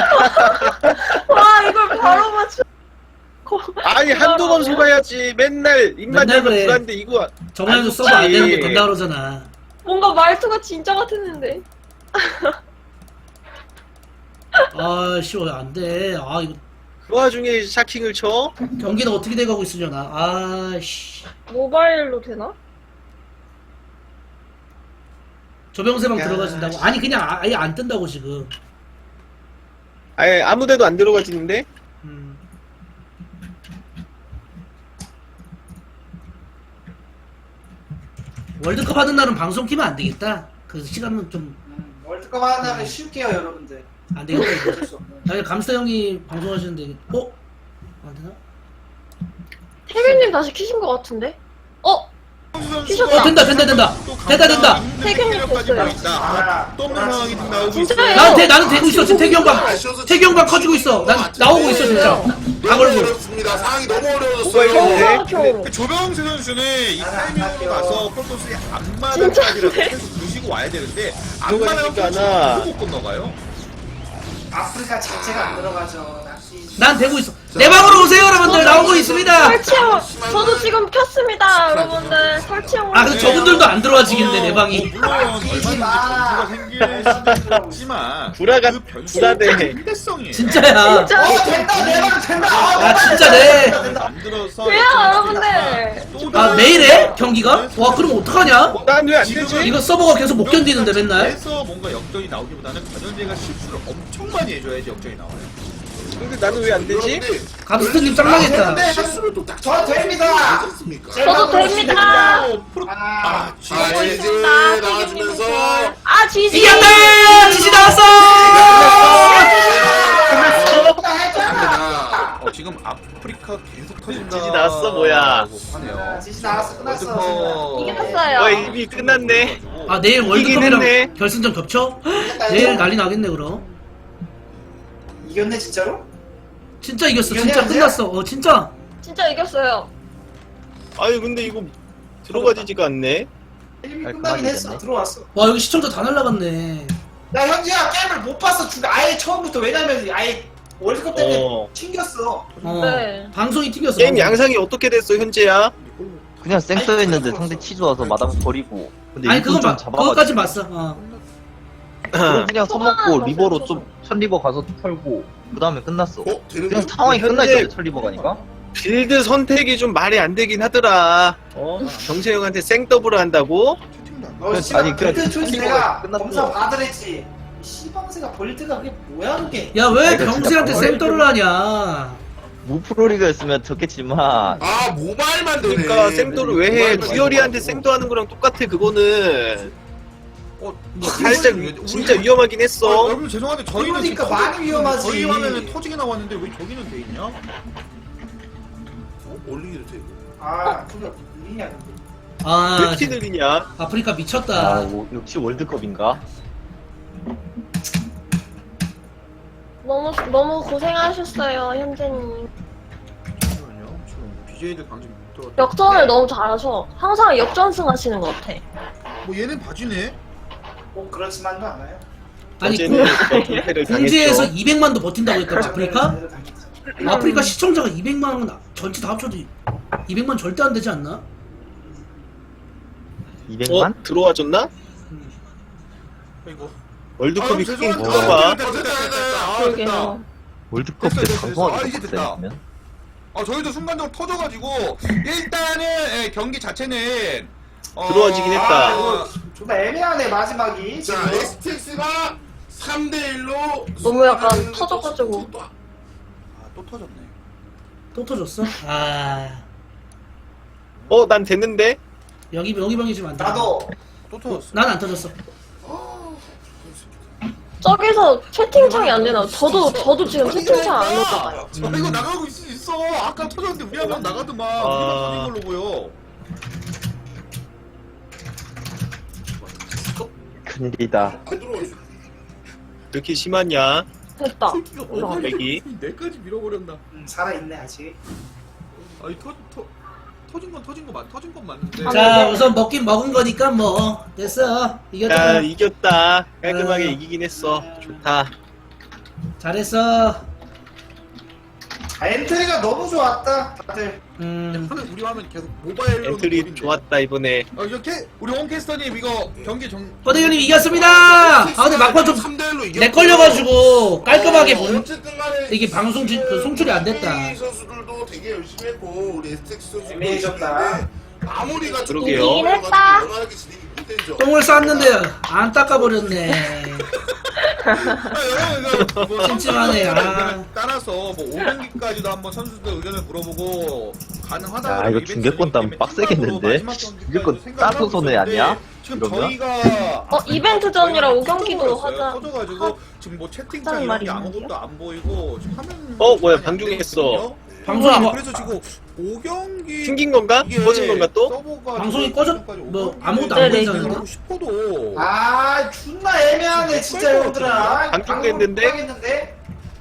[SPEAKER 6] 와 이걸 바로 맞춰.
[SPEAKER 5] 아니 한두 번 속아야지. 맨날 입만
[SPEAKER 1] 맨날
[SPEAKER 5] 열면
[SPEAKER 1] 그래.
[SPEAKER 5] 구라인데 이거
[SPEAKER 1] 저번에도
[SPEAKER 5] 안
[SPEAKER 1] 서버 안
[SPEAKER 5] 좋지.
[SPEAKER 1] 되는 거 된다 그러잖아.
[SPEAKER 6] 뭔가 말투가 진짜 같았는데.
[SPEAKER 1] 아 씨, 안 돼. 아 이거
[SPEAKER 5] 그 와중에 샤킹을 쳐?
[SPEAKER 1] 경기는 어떻게 돼가고 있으려나. 아 씨.
[SPEAKER 6] 모바일로 되나?
[SPEAKER 1] 조병세방
[SPEAKER 5] 야,
[SPEAKER 1] 들어가진다고? 아니 그냥 아- 아예 안 뜬다고 지금.
[SPEAKER 5] 아예 아무데도 안 들어가지는데?
[SPEAKER 1] 음. 월드컵 하는 날은 방송 키면 안 되겠다. 그 시간은 좀 안
[SPEAKER 3] 음, 월드컵 하는 날은 쉴게요 여러분들.
[SPEAKER 1] 되겠다. 이거.
[SPEAKER 3] 어쩔 수 없네.
[SPEAKER 1] 아니 감스타 형이 방송하시는데 어? 안 되나?
[SPEAKER 6] 태균님 다시 키신 것 같은데? 어? 키셨다.
[SPEAKER 1] 어 된다 된다 된다 된다 된다.
[SPEAKER 6] 태균님 됐어요.
[SPEAKER 3] 아,
[SPEAKER 7] 또 없는 상황이 지금 나오고
[SPEAKER 6] 진짜예요?
[SPEAKER 1] 나는 대, 나는 되고 있어. 지금 태규 형방 태규 형방 커지고 있어. 난 나오고 있어 진짜. 다
[SPEAKER 2] 너무
[SPEAKER 1] 걸고.
[SPEAKER 2] 어렵습니다. 상황이 너무
[SPEAKER 5] 뭐가
[SPEAKER 2] 어려워졌어요.
[SPEAKER 5] 있는데?
[SPEAKER 6] 저
[SPEAKER 7] 그 조병세 선수는 이
[SPEAKER 3] 아,
[SPEAKER 7] 타이밍으로
[SPEAKER 3] 아껴.
[SPEAKER 7] 가서 폴토스의 앞마당까지라도 계속 부시고 와야 되는데 앞마당
[SPEAKER 5] 들어가니까 하나.
[SPEAKER 7] 못 건너가요.
[SPEAKER 3] 아프리카 자체가 안 들어가죠. 낚시.
[SPEAKER 1] 난 되고 있어. 내 방으로 오세요 여러분들. 나오고 있습니다.
[SPEAKER 6] 설치형 저도 지금 켰습니다 여러분들. 설치형.
[SPEAKER 1] 아 근데 저분들도 안 들어와지겠네 내 방이.
[SPEAKER 7] 물론 얼마든지
[SPEAKER 3] 마.
[SPEAKER 7] 변수가 생길 수도 있지만
[SPEAKER 5] 구라가
[SPEAKER 7] 그 변수가
[SPEAKER 5] 구라대.
[SPEAKER 7] 일대성이에요.
[SPEAKER 1] 진짜야.
[SPEAKER 6] 진짜.
[SPEAKER 3] 어 된다 내방 된다. 아,
[SPEAKER 1] 아 진짜 네.
[SPEAKER 7] 만들어서
[SPEAKER 6] 왜요 여러분들?
[SPEAKER 1] 아 매일 해? 경기가? 와 그럼 어떡하냐?
[SPEAKER 5] 난 왜 안 되지?
[SPEAKER 1] 이거 서버가 계속 못 견디는데 맨날.
[SPEAKER 7] 그래서 뭔가 역전이 나오기보다는 변현재가 실수를 엄청 많이 해줘야지 역전이 나와요.
[SPEAKER 5] 근데 나는 왜 안 되지?
[SPEAKER 2] 여러분들,
[SPEAKER 1] 감스트님 짱망했다.
[SPEAKER 3] 근데
[SPEAKER 2] 실수를 또딱
[SPEAKER 3] 저 됩니다.
[SPEAKER 2] 않습니까?
[SPEAKER 6] 저도 됩니다.
[SPEAKER 7] 어, 프로...
[SPEAKER 3] 아,
[SPEAKER 7] 아,
[SPEAKER 2] 자,
[SPEAKER 6] 하고
[SPEAKER 2] 이제
[SPEAKER 6] 있습니다.
[SPEAKER 2] 나와주면서
[SPEAKER 6] 아 지지.
[SPEAKER 1] 이겼다! 지지 나왔어!
[SPEAKER 2] 갑니다.
[SPEAKER 7] 어, 지금 아프리카 계속 터진다.
[SPEAKER 5] 지지 나왔어, 뭐야.
[SPEAKER 7] 하네요.
[SPEAKER 3] 지시 나왔어 끝났어.
[SPEAKER 7] 월드컵
[SPEAKER 6] 이겼어요.
[SPEAKER 5] 어 이미 끝났네.
[SPEAKER 1] 아 내일
[SPEAKER 5] 이기긴
[SPEAKER 1] 월드컵이랑
[SPEAKER 5] 했네.
[SPEAKER 1] 결승전 겹쳐? 내일 난리 나겠네 그럼.
[SPEAKER 3] 이겼네 진짜로?
[SPEAKER 1] 진짜 이겼어.
[SPEAKER 3] 이겼네,
[SPEAKER 1] 진짜
[SPEAKER 3] 아니야?
[SPEAKER 1] 끝났어. 어 진짜.
[SPEAKER 6] 진짜 이겼어요.
[SPEAKER 5] 아니 근데 이거 들어가지지가 않네.
[SPEAKER 3] 게임이
[SPEAKER 4] 아,
[SPEAKER 3] 끝나긴
[SPEAKER 4] 그만이
[SPEAKER 3] 했어.
[SPEAKER 4] 됐네.
[SPEAKER 3] 들어왔어.
[SPEAKER 1] 와 여기 시청자 다 날라갔네.
[SPEAKER 3] 야 현지야 게임을 못 봤어. 주- 아예 처음부터 왜냐면 아예 월드컵 때문에
[SPEAKER 5] 어.
[SPEAKER 3] 튕겼어.
[SPEAKER 1] 어.
[SPEAKER 6] 네.
[SPEAKER 1] 방송이 튕겼어.
[SPEAKER 5] 게임 양상이 어떻게 됐어 현재야?
[SPEAKER 4] 그냥 쌩 써있는데 상대 치즈 와서 마당 버리고. 근데
[SPEAKER 1] 아니
[SPEAKER 4] 일꾼
[SPEAKER 1] 그건
[SPEAKER 4] 좀
[SPEAKER 1] 봐.
[SPEAKER 4] 잡아가지고.
[SPEAKER 1] 그거까지 봤어. 어.
[SPEAKER 4] 그럼 그냥
[SPEAKER 6] 초반
[SPEAKER 4] 써먹고
[SPEAKER 6] 봤어요,
[SPEAKER 4] 리버로
[SPEAKER 6] 초반.
[SPEAKER 4] 좀 천리버 가서 털고 그 다음에 끝났어.
[SPEAKER 2] 어? 되는
[SPEAKER 4] 그냥
[SPEAKER 2] 거?
[SPEAKER 4] 상황이
[SPEAKER 5] 현재-
[SPEAKER 4] 끝나있던데 천리버 가니까.
[SPEAKER 5] 빌드 선택이 좀 말이 안 되긴 하더라. 어? 정세 형한테 생더블을 한다고?
[SPEAKER 3] 너
[SPEAKER 4] 아니,
[SPEAKER 3] 씨발
[SPEAKER 4] 그냥
[SPEAKER 3] 빌드 초이스
[SPEAKER 4] 튕기고
[SPEAKER 3] 내가
[SPEAKER 4] 끝났어.
[SPEAKER 3] 검사 받으랬지. 이 씨방새가 빌드가 그게 뭐야 그게?
[SPEAKER 1] 야 왜
[SPEAKER 4] 아, 이거 진짜
[SPEAKER 1] 병세한테
[SPEAKER 4] 방어를
[SPEAKER 1] 쌤떠를 하냐?
[SPEAKER 4] 무프로리그였으면 좋겠지만
[SPEAKER 2] 아 모바일만 되네.
[SPEAKER 5] 그러니까 생도를 왜 해?
[SPEAKER 2] 모바일만
[SPEAKER 5] 두열이한테
[SPEAKER 2] 되고.
[SPEAKER 5] 생도 하는 거랑 똑같아 그거는.
[SPEAKER 7] 어,
[SPEAKER 5] 살짝
[SPEAKER 7] 우리-
[SPEAKER 5] 진짜 위험하긴
[SPEAKER 7] 어,
[SPEAKER 5] 했어.
[SPEAKER 7] 여러분 죄송한데 저희는
[SPEAKER 3] 그러니까
[SPEAKER 7] 지금
[SPEAKER 3] 많이
[SPEAKER 7] 터지-
[SPEAKER 3] 위험하지.
[SPEAKER 7] 저희 화면에 터지게 나왔는데 왜 저기는 돼 있냐?
[SPEAKER 2] 어? 올리기도 돼.
[SPEAKER 3] 아 그게 일이냐 그게.
[SPEAKER 5] 왜
[SPEAKER 1] 아
[SPEAKER 5] 이렇게 느리냐?
[SPEAKER 1] 아프리카
[SPEAKER 4] 아
[SPEAKER 1] 미쳤다.
[SPEAKER 4] 뭐, 역시 월드컵인가?
[SPEAKER 6] 너무 너무 고생하셨어요 현재님.
[SPEAKER 7] 잠시만요. 지금 비제이들 방송 못 들어.
[SPEAKER 6] 역전을 너무 잘하셔. 항상 역전승 하시는 것 같아.
[SPEAKER 7] 뭐 얘는 바지네.
[SPEAKER 3] 꼭 그렇지만도 않아요.
[SPEAKER 1] 아니
[SPEAKER 5] 어제는 패를
[SPEAKER 1] 공지에서
[SPEAKER 5] 당했죠.
[SPEAKER 1] 이백만도 버틴다고 했다 아프리카?
[SPEAKER 3] 음.
[SPEAKER 1] 아프리카 시청자가 이백만 원 전체 다 합쳐도 이백만 절대 안 되지 않나?
[SPEAKER 4] 이백만?
[SPEAKER 5] 어? 들어와줬나?
[SPEAKER 7] 이거.
[SPEAKER 5] 월드컵이
[SPEAKER 2] 아,
[SPEAKER 5] 크긴
[SPEAKER 2] 죄송합니다.
[SPEAKER 5] 큰가 봐.
[SPEAKER 2] 됐다, 됐다, 됐다. 아,
[SPEAKER 6] 그러게요.
[SPEAKER 4] 월드컵 때
[SPEAKER 7] 됐어, 됐어, 됐어. 아,
[SPEAKER 4] 방송하기
[SPEAKER 7] 이제
[SPEAKER 4] 빡세
[SPEAKER 7] 됐다.
[SPEAKER 4] 그러면?
[SPEAKER 7] 아 저희도 순간적으로 터져가지고 일단은 예, 경기 자체는 어,
[SPEAKER 5] 들어와지긴 했다.
[SPEAKER 3] 아 이거 존나 애매하네 마지막이.
[SPEAKER 2] 자
[SPEAKER 3] 지금.
[SPEAKER 2] 에스티엑스가 삼 대 일로
[SPEAKER 6] 너무 약간 터져가지고.
[SPEAKER 7] 아, 또 터졌네.
[SPEAKER 1] 또 터졌어? 아
[SPEAKER 5] 어, 난 됐는데?
[SPEAKER 1] 여기 여기 병이 지금 안 돼.
[SPEAKER 3] 나도
[SPEAKER 7] 또 터졌어.
[SPEAKER 1] 난 안 터졌어.
[SPEAKER 6] 저기서 채팅창이 안 되나? 저도 저도 지금 채팅창 안 오잖아요.
[SPEAKER 7] 아, 이거 나가고 있, 있어. 아까 터졌는데 우리 한번 나가더만.
[SPEAKER 5] 아.
[SPEAKER 7] 우리만 터진 걸로 보여.
[SPEAKER 4] 큰일이다.
[SPEAKER 2] 안 들어오지.
[SPEAKER 5] 이렇게 심하냐?
[SPEAKER 6] 됐다.
[SPEAKER 7] 새끼가
[SPEAKER 6] 올라가.
[SPEAKER 7] 어디
[SPEAKER 5] 내기.
[SPEAKER 7] 내까지 밀어버렸나.
[SPEAKER 3] 음, 살아있네 아직.
[SPEAKER 7] 아니 터, 터, 터진 건 터진 거 맞, 터진 건 맞는데.
[SPEAKER 6] 아,
[SPEAKER 1] 자
[SPEAKER 6] 네.
[SPEAKER 1] 우선 먹긴 먹은 거니까 뭐 됐어.
[SPEAKER 5] 야,
[SPEAKER 1] 이겼잖아.
[SPEAKER 5] 이겼다. 깔끔하게
[SPEAKER 1] 어.
[SPEAKER 5] 이기긴 했어. 좋다.
[SPEAKER 1] 잘했어.
[SPEAKER 3] 아, 엔트리가 너무 좋았다 다들.
[SPEAKER 1] 음.
[SPEAKER 7] 화면 우리 화면 계속 모바일로.
[SPEAKER 5] 엔트리 좋았다, 이번에.
[SPEAKER 7] 어 이렇게 우리 홍캐스터님 이거 경기 정.
[SPEAKER 1] 허대현님 이겼습니다. 아 근데 막판 좀
[SPEAKER 2] 삼 대 일로 이겼고.
[SPEAKER 1] 렉 걸려가지고 깔끔하게 본.
[SPEAKER 2] 어쨌든 간에
[SPEAKER 1] 이게 방송 지- 그 송출이 안 됐다.
[SPEAKER 2] 엠에이 선수들도 되게 열심히 했고 우리 에스텍스 선수도
[SPEAKER 3] 엠에이
[SPEAKER 2] 열심히
[SPEAKER 3] 졌다.
[SPEAKER 2] 했는데 마무리가 좀
[SPEAKER 5] 그러게요.
[SPEAKER 6] 이기긴 했다.
[SPEAKER 2] 원활하게 진행이 못 되죠.
[SPEAKER 1] 똥을 쌌는데 안 닦아버렸네.
[SPEAKER 7] 아, 여러분 이거 뭐
[SPEAKER 1] 찜찜하네,
[SPEAKER 7] 선수들
[SPEAKER 1] 아.
[SPEAKER 7] 의견을 따라서 뭐 오 경기까지도 한번 선수들 의견을 물어보고 가능하다.
[SPEAKER 4] 야, 이거 중계권 따면 빡세겠는데? 중계권 따서 손해 아니야?
[SPEAKER 7] 지금
[SPEAKER 4] 그러면?
[SPEAKER 7] 저희가
[SPEAKER 6] 어, 이벤트 전이라 오 경기도 하자.
[SPEAKER 7] 터져가지고 지금 뭐 채팅창
[SPEAKER 6] 하자는
[SPEAKER 7] 이런
[SPEAKER 6] 말이
[SPEAKER 7] 게
[SPEAKER 6] 있는데요?
[SPEAKER 7] 아무것도 안 보이고 지금 화면
[SPEAKER 5] 어, 뭐야,
[SPEAKER 7] 많이 안
[SPEAKER 5] 방중했어.
[SPEAKER 7] 되거든요.
[SPEAKER 1] 방송이 뭐
[SPEAKER 7] 그래서 지금 오 경기
[SPEAKER 5] 튕긴 건가? 꺼진 건가 또?
[SPEAKER 1] 방송이 꺼져 뭐 아무것도
[SPEAKER 6] 네,
[SPEAKER 1] 안
[SPEAKER 6] 네,
[SPEAKER 1] 보인다는데?
[SPEAKER 7] 하고 싶어도
[SPEAKER 3] 아 존나 애매하네 진짜 형들아.
[SPEAKER 5] 방송됐는데?
[SPEAKER 3] 방송됐는데?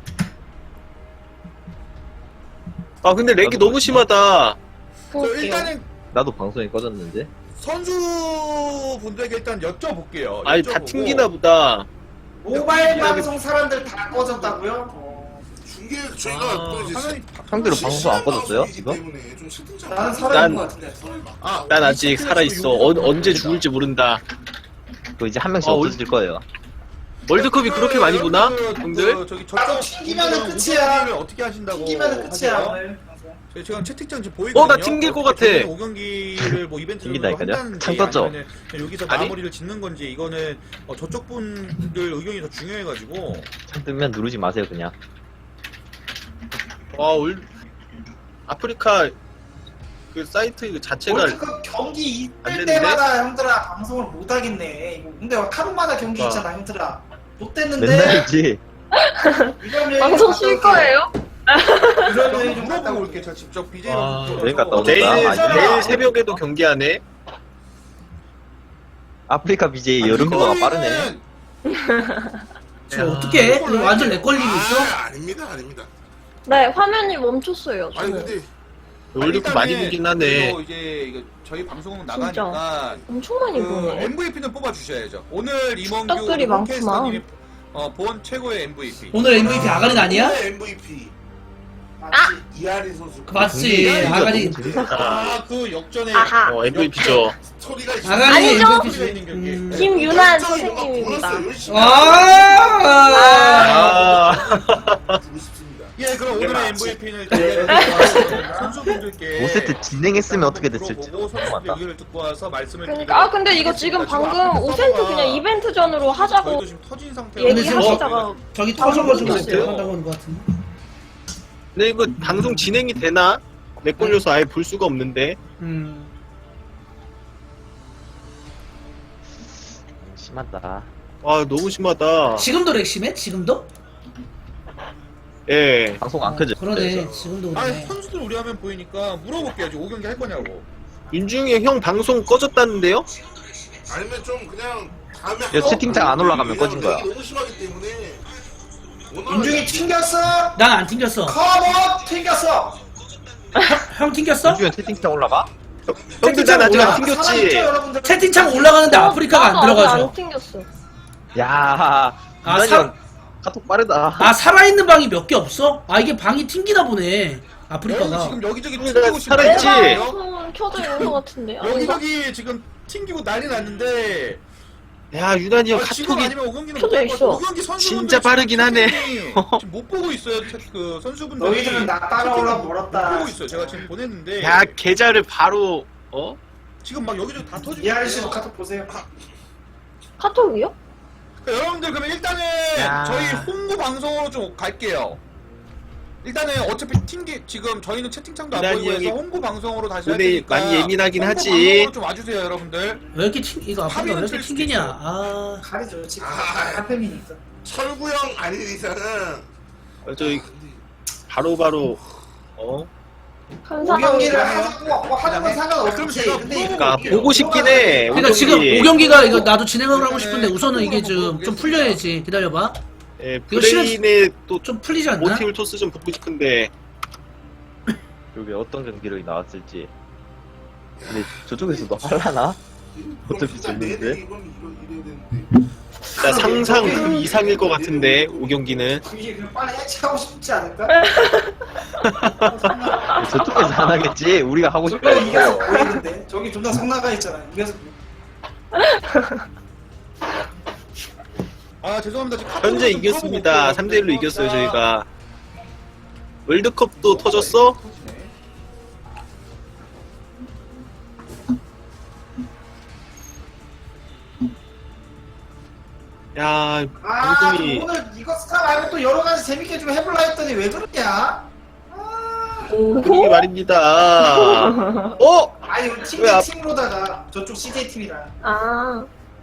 [SPEAKER 5] 아, 근데 렉이 너무 심하다.
[SPEAKER 7] 저
[SPEAKER 6] 볼게요.
[SPEAKER 7] 일단은
[SPEAKER 4] 나도 방송이 꺼졌는데.
[SPEAKER 7] 선수분들에게 일단 여쭤볼게요.
[SPEAKER 5] 아니, 다
[SPEAKER 7] 여쭤보고.
[SPEAKER 5] 튕기나 보다.
[SPEAKER 3] 모바일 방송 사람들 다 꺼졌다고요? 어.
[SPEAKER 2] 중계 저희가
[SPEAKER 5] 아,
[SPEAKER 2] 또 이제
[SPEAKER 7] 화면이
[SPEAKER 4] 상대로
[SPEAKER 2] 실시간
[SPEAKER 4] 방송 안 꺼졌어요?
[SPEAKER 2] 방송이기
[SPEAKER 4] 이거?
[SPEAKER 2] 때문에 좀 채팅창
[SPEAKER 3] 나는
[SPEAKER 5] 난-
[SPEAKER 3] 살아있는 것 같은데.
[SPEAKER 7] 아,
[SPEAKER 5] 난 아직 살아있어. 어, 언제 죽을지 모른다.
[SPEAKER 4] 그 이제 한 명씩
[SPEAKER 5] 아,
[SPEAKER 4] 없어질 거예요.
[SPEAKER 5] 월드컵이 그렇게 많이 보나? 형들?
[SPEAKER 7] 그, 저기
[SPEAKER 3] 나도
[SPEAKER 7] 저쪽
[SPEAKER 3] 튕기면은
[SPEAKER 7] 분들은
[SPEAKER 3] 끝이야.
[SPEAKER 7] 오경기를 어떻게 하신다고
[SPEAKER 3] 튕기면은 끝이야
[SPEAKER 7] 하세요?
[SPEAKER 3] 오늘. 방송.
[SPEAKER 7] 저희 지금 채팅창 지금 보이거든요.
[SPEAKER 5] 어, 나 튕길 것 같아.
[SPEAKER 7] 오 경기를 뭐 이벤트로
[SPEAKER 4] 튕긴다니까요?
[SPEAKER 7] 한다는지
[SPEAKER 4] 창 떴죠?
[SPEAKER 7] 아니면은 여기서
[SPEAKER 5] 아니?
[SPEAKER 7] 마무리를 짓는 건지 이거는 어, 저쪽 분들 의견이 더 중요해가지고
[SPEAKER 4] 창 뜨면 누르지 마세요 그냥.
[SPEAKER 5] 와, 올, 아프리카 그 사이트 그 자체가
[SPEAKER 3] 월드컵 경기
[SPEAKER 5] 안
[SPEAKER 3] 있을
[SPEAKER 5] 되는데?
[SPEAKER 3] 때마다 형들아 방송을 못 하겠네. 이거 근데 하루마다 경기
[SPEAKER 5] 아.
[SPEAKER 3] 있잖아 형들아. 못
[SPEAKER 4] 맨날
[SPEAKER 3] 됐는데.
[SPEAKER 4] 있지.
[SPEAKER 3] 이런 여행
[SPEAKER 6] 방송
[SPEAKER 3] 갔다
[SPEAKER 6] 쉴
[SPEAKER 3] 올게.
[SPEAKER 6] 거예요?
[SPEAKER 3] 이런 여행 좀 갔다
[SPEAKER 7] 물어보고
[SPEAKER 3] 올게.
[SPEAKER 7] 올게. 제가 직접 비제이
[SPEAKER 5] 아,
[SPEAKER 4] 여행 갔다 오자.
[SPEAKER 5] 내일,
[SPEAKER 4] 아,
[SPEAKER 5] 내일 새벽에도 경기하네.
[SPEAKER 4] 아프리카 비제이 여름 휴가가 빠르네.
[SPEAKER 1] 저 어떻게 해? 이거 완전 렉 걸리고 있어?
[SPEAKER 2] 아, 아닙니다 아닙니다.
[SPEAKER 6] 네, 화면이 멈췄어요.
[SPEAKER 2] 아니
[SPEAKER 6] 저는.
[SPEAKER 2] 근데
[SPEAKER 5] 월드컵 많이 보긴 하네.
[SPEAKER 7] 그리고 이제 이거 저희 방송
[SPEAKER 6] 진짜.
[SPEAKER 7] 나가니까
[SPEAKER 6] 엄청 많이
[SPEAKER 7] 그
[SPEAKER 6] 보네.
[SPEAKER 7] 엠브이피는 뽑아 주셔야죠. 오늘 임원규
[SPEAKER 6] 떡들이 많구만.
[SPEAKER 7] 홈캐스터님이 어, 본 최고의 엠브이피.
[SPEAKER 1] 오늘 엠브이피 아가린 아니야?
[SPEAKER 2] 오늘 엠브이피
[SPEAKER 3] 아!
[SPEAKER 2] 이하린 선수.
[SPEAKER 1] 그 맞지 아가린.
[SPEAKER 7] 아, 그 역전의
[SPEAKER 6] 아하.
[SPEAKER 5] 어, 엠브이피죠.
[SPEAKER 2] 스토리가 있어.
[SPEAKER 1] 아가린
[SPEAKER 6] 아니죠?
[SPEAKER 7] 스토리가
[SPEAKER 1] 엠브이피지.
[SPEAKER 7] 있는 경기.
[SPEAKER 1] 음.
[SPEAKER 6] 김윤환
[SPEAKER 2] 열정이 뭔가
[SPEAKER 6] 선생님입니다.
[SPEAKER 2] 보였어요. 열심히
[SPEAKER 1] 아.
[SPEAKER 5] 아,
[SPEAKER 2] 주고 싶습니다.
[SPEAKER 7] 예, 그럼 오늘의
[SPEAKER 2] 맞지.
[SPEAKER 7] 엠브이피는 저희가 선수분들께
[SPEAKER 4] 오 세트 진행했으면 어떻게 됐을지.
[SPEAKER 7] 물어보고 선수들 의견을 듣고 와서 말씀을
[SPEAKER 6] 그러니까 아 근데 이거 지금 방금 오 센트 그냥 이벤트 전으로 하자고
[SPEAKER 7] 저희도 지금 터진 상태로
[SPEAKER 1] 근데 지금
[SPEAKER 6] 얘기하시다가
[SPEAKER 1] 저기 터져가지고
[SPEAKER 5] 모르겠어요.
[SPEAKER 1] 한다고 하는 것 같은데.
[SPEAKER 5] 근데 이거 방송 진행이 되나? 렉 걸려서 아예 볼 수가 없는데.
[SPEAKER 1] 음.
[SPEAKER 4] 심하다.
[SPEAKER 5] 와, 너무 심하다.
[SPEAKER 1] 지금도 렉 심해? 지금도?
[SPEAKER 5] 예.
[SPEAKER 4] 방송 안 켜져.
[SPEAKER 1] 그러네. 지금도
[SPEAKER 7] 아,
[SPEAKER 1] 그러네.
[SPEAKER 7] 선수들 우리 화면 보이니까 물어볼게요. 지금 오 경기 할 거냐고.
[SPEAKER 5] 윤중이 형 방송 꺼졌다는데요?
[SPEAKER 2] 아니면 좀 그냥 다음에
[SPEAKER 4] 야, 채팅창 안 올라가면 꺼진 거야.
[SPEAKER 2] 너무 심하기 때문에. 오늘
[SPEAKER 3] 윤중이 튕겼어.
[SPEAKER 1] 난 안 튕겼어.
[SPEAKER 3] 컴온 튕겼어.
[SPEAKER 1] 형 튕겼어?
[SPEAKER 4] 요즘에 채팅창 올라가?
[SPEAKER 5] 형들 난 아직 안
[SPEAKER 3] 살아있죠,
[SPEAKER 5] 튕겼지.
[SPEAKER 3] 여러분들?
[SPEAKER 1] 채팅창 올라가는데 아프리카가 안
[SPEAKER 6] 나도 아직
[SPEAKER 1] 들어가죠.
[SPEAKER 6] 안 튕겼어.
[SPEAKER 4] 야,
[SPEAKER 1] 아,
[SPEAKER 4] 유난히
[SPEAKER 1] 사-
[SPEAKER 4] 형 카톡 빠르다.
[SPEAKER 1] 아 살아있는 방이 몇 개 없어? 아 이게 방이 튕기나 보네.
[SPEAKER 7] 여기
[SPEAKER 1] 아프리카가.
[SPEAKER 7] 지금 여기저기
[SPEAKER 5] 그러니까
[SPEAKER 7] 튕기고 싶어.
[SPEAKER 5] 살아있지.
[SPEAKER 6] 내 방송은 켜져 있는 것 같은데. 아닌가?
[SPEAKER 7] 여기저기 지금 튕기고 난리 났는데
[SPEAKER 5] 야, 유난히 형
[SPEAKER 7] 아, 지금
[SPEAKER 5] 카톡이
[SPEAKER 7] 아니면 오 경기는
[SPEAKER 6] 켜져
[SPEAKER 7] 못
[SPEAKER 6] 있어.
[SPEAKER 7] 있어. 오 경기 선수분들
[SPEAKER 5] 진짜 빠르긴 하네.
[SPEAKER 7] 지금 못 보고 있어요. 채- 그 선수분들이
[SPEAKER 3] 너희들은 나 따라오라 멀었다.
[SPEAKER 7] 못 보고 있어요. 제가 지금 보냈는데
[SPEAKER 5] 야, 계좌를 바로 어?
[SPEAKER 7] 지금 막 여기저기 다 터지고
[SPEAKER 3] 이하린 씨도
[SPEAKER 7] 있어요.
[SPEAKER 3] 카톡 보세요.
[SPEAKER 6] 카톡이요?
[SPEAKER 7] 그러니까 여러분들 그러면 일단은
[SPEAKER 4] 야.
[SPEAKER 7] 저희 홍보 방송으로 좀 갈게요. 일단은 어차피 튕기 지금 저희는 채팅창도 안
[SPEAKER 5] 기다리
[SPEAKER 7] 보이고 해서
[SPEAKER 5] 형이
[SPEAKER 7] 홍보 방송으로 다시 할
[SPEAKER 5] 오늘
[SPEAKER 7] 테니까
[SPEAKER 5] 많이 예민하긴
[SPEAKER 7] 홍보
[SPEAKER 5] 하지.
[SPEAKER 7] 방송으로 좀 와주세요 여러분들.
[SPEAKER 1] 왜 이렇게 튕 이거 아프다 왜 이렇게
[SPEAKER 7] 칠 수도
[SPEAKER 1] 튕기냐?
[SPEAKER 7] 있어.
[SPEAKER 1] 아
[SPEAKER 3] 가리죠 지금
[SPEAKER 2] 아.
[SPEAKER 3] 카페미니까.
[SPEAKER 2] 철구형 아닌 이상은
[SPEAKER 5] 어, 저희 바로바로 어?
[SPEAKER 3] 오경기를
[SPEAKER 6] 감사합니다.
[SPEAKER 3] 하고 뭐 하는 건 상관없지.
[SPEAKER 7] 그럼 제가
[SPEAKER 3] 근데
[SPEAKER 5] 그러니까
[SPEAKER 3] 이게
[SPEAKER 5] 보고 싶긴 해.
[SPEAKER 1] 그러니까 지금
[SPEAKER 5] 오경기.
[SPEAKER 1] 오 경기가 이거 나도 진행을 하고 싶은데 우선은 이게 좀 좀 풀려야지. 기다려봐.
[SPEAKER 5] 예,
[SPEAKER 1] 이거 시간-
[SPEAKER 5] 브레인의 또
[SPEAKER 1] 좀 풀리지 않나?
[SPEAKER 5] 모티브 토스 좀 보고 싶은데
[SPEAKER 4] 여기 어떤 경기력이 나왔을지. 근데 저쪽에서도 할라나? 어차피
[SPEAKER 2] 진짜 내내
[SPEAKER 4] 졌는데.
[SPEAKER 2] 이건 이러- 이래야 되는데.
[SPEAKER 5] 나 상상 그 이상일 것 같은데 오경기는
[SPEAKER 3] 그게 그냥 빨리 해체하고 싶지 않을까?
[SPEAKER 4] 저쪽에서 안 하겠지. 우리가 하고 싶어.
[SPEAKER 3] 저기 이겨서 보이는데 저기 존나 성나가 있잖아. 이겨서
[SPEAKER 7] 아 죄송합니다. 지금
[SPEAKER 5] 현재
[SPEAKER 7] 좀
[SPEAKER 5] 이겼습니다.
[SPEAKER 7] 풀어볼게요.
[SPEAKER 5] 삼 대 일로 이겼어요
[SPEAKER 7] 자,
[SPEAKER 5] 저희가. 월드컵도 터졌어?
[SPEAKER 7] 터지네.
[SPEAKER 5] 야
[SPEAKER 3] 아
[SPEAKER 5] 방송이
[SPEAKER 3] 오늘 이거 스타 말고 또 여러 가지 재밌게 좀 해볼라 했더니 왜 그러냐?
[SPEAKER 5] 분위기 말입니다. 어?
[SPEAKER 3] 아니 우리 팀
[SPEAKER 5] 왜 앞-
[SPEAKER 3] 팀으로다가 저쪽 씨제이 팀이랑
[SPEAKER 6] 아,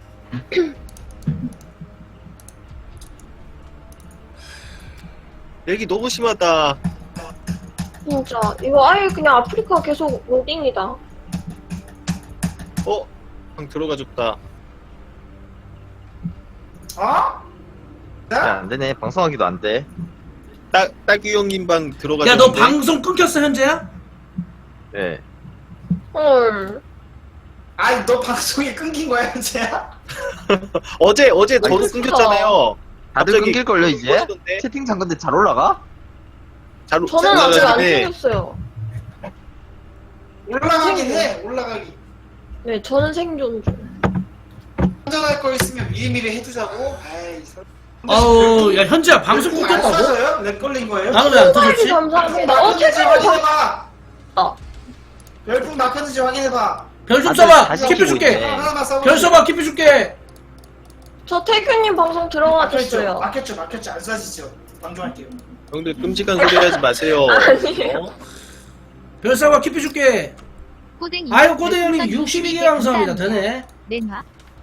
[SPEAKER 5] 얘기 너무 심하다.
[SPEAKER 6] 진짜. 이거 아예 그냥 아프리카 계속 로딩이다.
[SPEAKER 5] 어? 방 들어가 줬다.
[SPEAKER 3] 어?
[SPEAKER 4] 야,
[SPEAKER 3] 나?
[SPEAKER 4] 안 되네. 방송하기도 안 돼.
[SPEAKER 5] 따, 따규 형님 방 들어가
[SPEAKER 1] 야 너
[SPEAKER 5] 줬는데.
[SPEAKER 1] 방송 끊겼어 현재야?
[SPEAKER 4] 네.
[SPEAKER 6] 헐.
[SPEAKER 3] 아니 너 방송이 끊긴 거야 현재야?
[SPEAKER 5] 어제 어제 저도
[SPEAKER 6] 아니,
[SPEAKER 5] 끊겼잖아요.
[SPEAKER 4] 다들
[SPEAKER 5] 갑자기
[SPEAKER 4] 끊길걸요, 이제?
[SPEAKER 5] 꺼지던데?
[SPEAKER 4] 채팅창 근데 잘 올라가?
[SPEAKER 5] 잘
[SPEAKER 6] 저는 아직 안
[SPEAKER 5] 올라가는데
[SPEAKER 6] 생겼어요.
[SPEAKER 3] 올라가긴 해 올라가기.
[SPEAKER 6] 네, 저는 생존 중.
[SPEAKER 3] 한전할 거 있으면 미리미리 해두자고. 아이 설-
[SPEAKER 1] 아우 야 현재야 방송
[SPEAKER 3] 안
[SPEAKER 1] 끊겼다고?
[SPEAKER 3] 써져요? 렉 걸린 거예요?
[SPEAKER 1] 나는 왜 안
[SPEAKER 6] 빨리
[SPEAKER 1] 터졌지?
[SPEAKER 6] 감사합니다. 어,
[SPEAKER 3] 낙하는지
[SPEAKER 6] 최근에 방...
[SPEAKER 3] 확인해봐.
[SPEAKER 6] 어.
[SPEAKER 3] 열풍 낙하는지 확인해봐.
[SPEAKER 1] 별 좀
[SPEAKER 4] 다들
[SPEAKER 1] 써봐.
[SPEAKER 4] 다시
[SPEAKER 1] 키피
[SPEAKER 4] 끼고
[SPEAKER 1] 줄게.
[SPEAKER 4] 있네.
[SPEAKER 3] 하나만 써봐.
[SPEAKER 1] 별 써봐. 키피 줄게.
[SPEAKER 6] 저 태균님 방송
[SPEAKER 3] 막혔죠?
[SPEAKER 6] 들어가졌어요.
[SPEAKER 3] 막혔죠? 막혔죠? 안 쏴지죠? 방종할게요.
[SPEAKER 5] 형들 끔찍한 소리 하지 마세요.
[SPEAKER 6] 아니에요.
[SPEAKER 5] 어?
[SPEAKER 1] 별 써봐. 키피 줄게.
[SPEAKER 8] 꼬댕이
[SPEAKER 1] 아유 꼬대 형님 육십이 개 감사합니다. 되네.
[SPEAKER 8] 렌화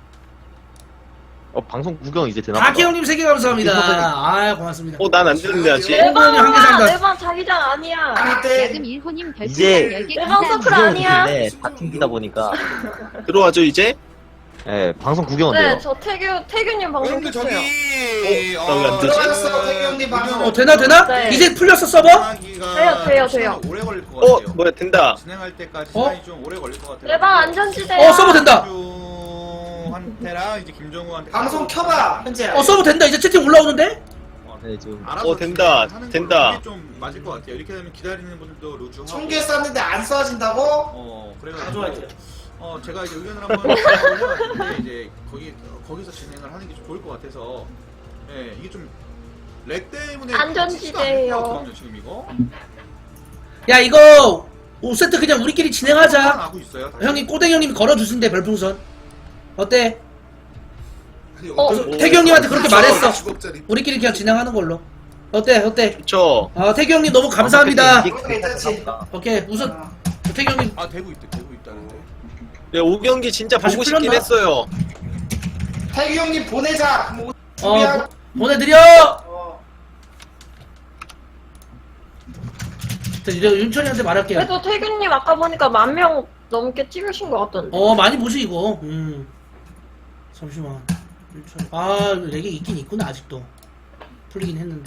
[SPEAKER 4] 어, 방송 구경 이제 되나
[SPEAKER 1] 다키
[SPEAKER 4] 보다.
[SPEAKER 1] 형님 세 개 감사합니다. 아 고맙습니다.
[SPEAKER 5] 어, 난 안 들는데 아직.
[SPEAKER 1] 네. 홍보원이 한개
[SPEAKER 6] 내방,
[SPEAKER 1] 산다.
[SPEAKER 6] 내방 자기장 아니야.
[SPEAKER 3] 아닐 때
[SPEAKER 8] 야금 일호님
[SPEAKER 4] 이제
[SPEAKER 8] 별풍선 열 개
[SPEAKER 6] 내방
[SPEAKER 8] 감사합니다.
[SPEAKER 6] 서클 아니야.
[SPEAKER 4] 네, 다 튕기다 보니까.
[SPEAKER 5] 들어와줘 이제.
[SPEAKER 4] 예, 방송 구경은
[SPEAKER 6] 네,
[SPEAKER 4] 돼요.
[SPEAKER 6] 저 태균, 태균님 방송
[SPEAKER 7] 여러분들
[SPEAKER 6] 켰어요.
[SPEAKER 7] 저기
[SPEAKER 5] 어, 나왜안 되지?
[SPEAKER 3] 들어갔어 태기 형님 방송.
[SPEAKER 1] 어 되나 되나?
[SPEAKER 6] 네.
[SPEAKER 1] 이제 풀렸어 서버?
[SPEAKER 6] 돼요, 돼요, 돼요.
[SPEAKER 7] 오래 걸릴 것
[SPEAKER 5] 어,
[SPEAKER 7] 같아요.
[SPEAKER 5] 뭐야 된다.
[SPEAKER 7] 진행할 때까지
[SPEAKER 1] 어?
[SPEAKER 7] 시간이 좀 오래 걸릴 것 같아요.
[SPEAKER 6] 내방 안전지대야.
[SPEAKER 1] 어 서버 된다.
[SPEAKER 7] 한테랑 이제 김정우한테
[SPEAKER 3] 방송 켜봐 현재야.
[SPEAKER 1] 어 서버 된다. 이제 채팅 올라오는데?
[SPEAKER 4] 네, 지금.
[SPEAKER 7] 알아서
[SPEAKER 5] 어, 된다,
[SPEAKER 7] 하는
[SPEAKER 5] 된다.
[SPEAKER 7] 걸로 이게 좀 맞을 것 같아요. 이렇게 되면 기다리는 분들도 루즈하고.
[SPEAKER 3] 청개 쐈는데 안 쏴진다고?
[SPEAKER 7] 어 그래가지고
[SPEAKER 3] 가져갈게요.
[SPEAKER 7] 어 제가 이제 의견을 한번 올려봤는데 이제 거기 거기서 진행을 하는 게 좀 좋을 것 같아서 예 이게 좀 렉 때문에
[SPEAKER 6] 안전지대예요.
[SPEAKER 7] 어떡하냐, 지금 이거
[SPEAKER 1] 야 이거 오 세트 그냥 우리끼리 진행하자.
[SPEAKER 7] 하고 있어요. 다시.
[SPEAKER 1] 형님 꼬댕 형님 걸어주신대 별풍선. 어때?
[SPEAKER 2] 아니,
[SPEAKER 6] 어,
[SPEAKER 2] 어떤-
[SPEAKER 1] 태규 형님한테 그렇게 말했어.
[SPEAKER 2] 주걱자리.
[SPEAKER 1] 우리끼리 그냥 진행하는 걸로. 어때? 어때?
[SPEAKER 5] 그쵸.
[SPEAKER 1] 아 태규 형님 너무 감사합니다.
[SPEAKER 4] 이게
[SPEAKER 3] 괜찮지?
[SPEAKER 1] 오케이 우선
[SPEAKER 3] 어.
[SPEAKER 1] 태규 형님
[SPEAKER 7] 아 되고 있대 되고 있다는데.
[SPEAKER 5] 네, 오경기 진짜
[SPEAKER 1] 다시
[SPEAKER 5] 보고 싶긴
[SPEAKER 1] 풀렸나?
[SPEAKER 5] 했어요.
[SPEAKER 3] 태기 형님 보내자. 뭐
[SPEAKER 1] 어
[SPEAKER 3] 준비하고.
[SPEAKER 1] 보- 보내드려.
[SPEAKER 3] 어.
[SPEAKER 1] 자, 이제 윤철이한테 말할게요.
[SPEAKER 6] 그래도 태균님 아까 보니까 만 명 넘게 찍으신 것 같던데.
[SPEAKER 1] 어 많이 보시 이거. 음. 잠시만. 윤철. 아 렉이 있긴 있구나 아직도. 풀리긴 했는데.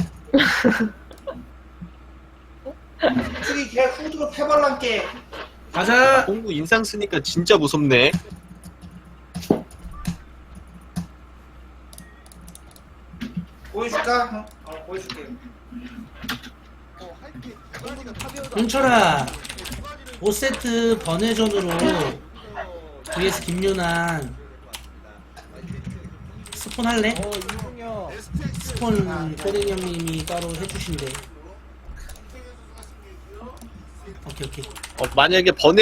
[SPEAKER 3] 저기 걔 후드로 패발란게.
[SPEAKER 1] 가자.
[SPEAKER 5] 공부 인상 쓰니까 진짜 무섭네.
[SPEAKER 3] 보여줄까? 어, 어 보여줄게.
[SPEAKER 1] 윤철아. 오 세트 번외전으로 vs 김윤환 스폰 할래? 스폰 꼬댕 형님이 따로 해주신대. 오케이 오케이.
[SPEAKER 5] 어, 만약에 번외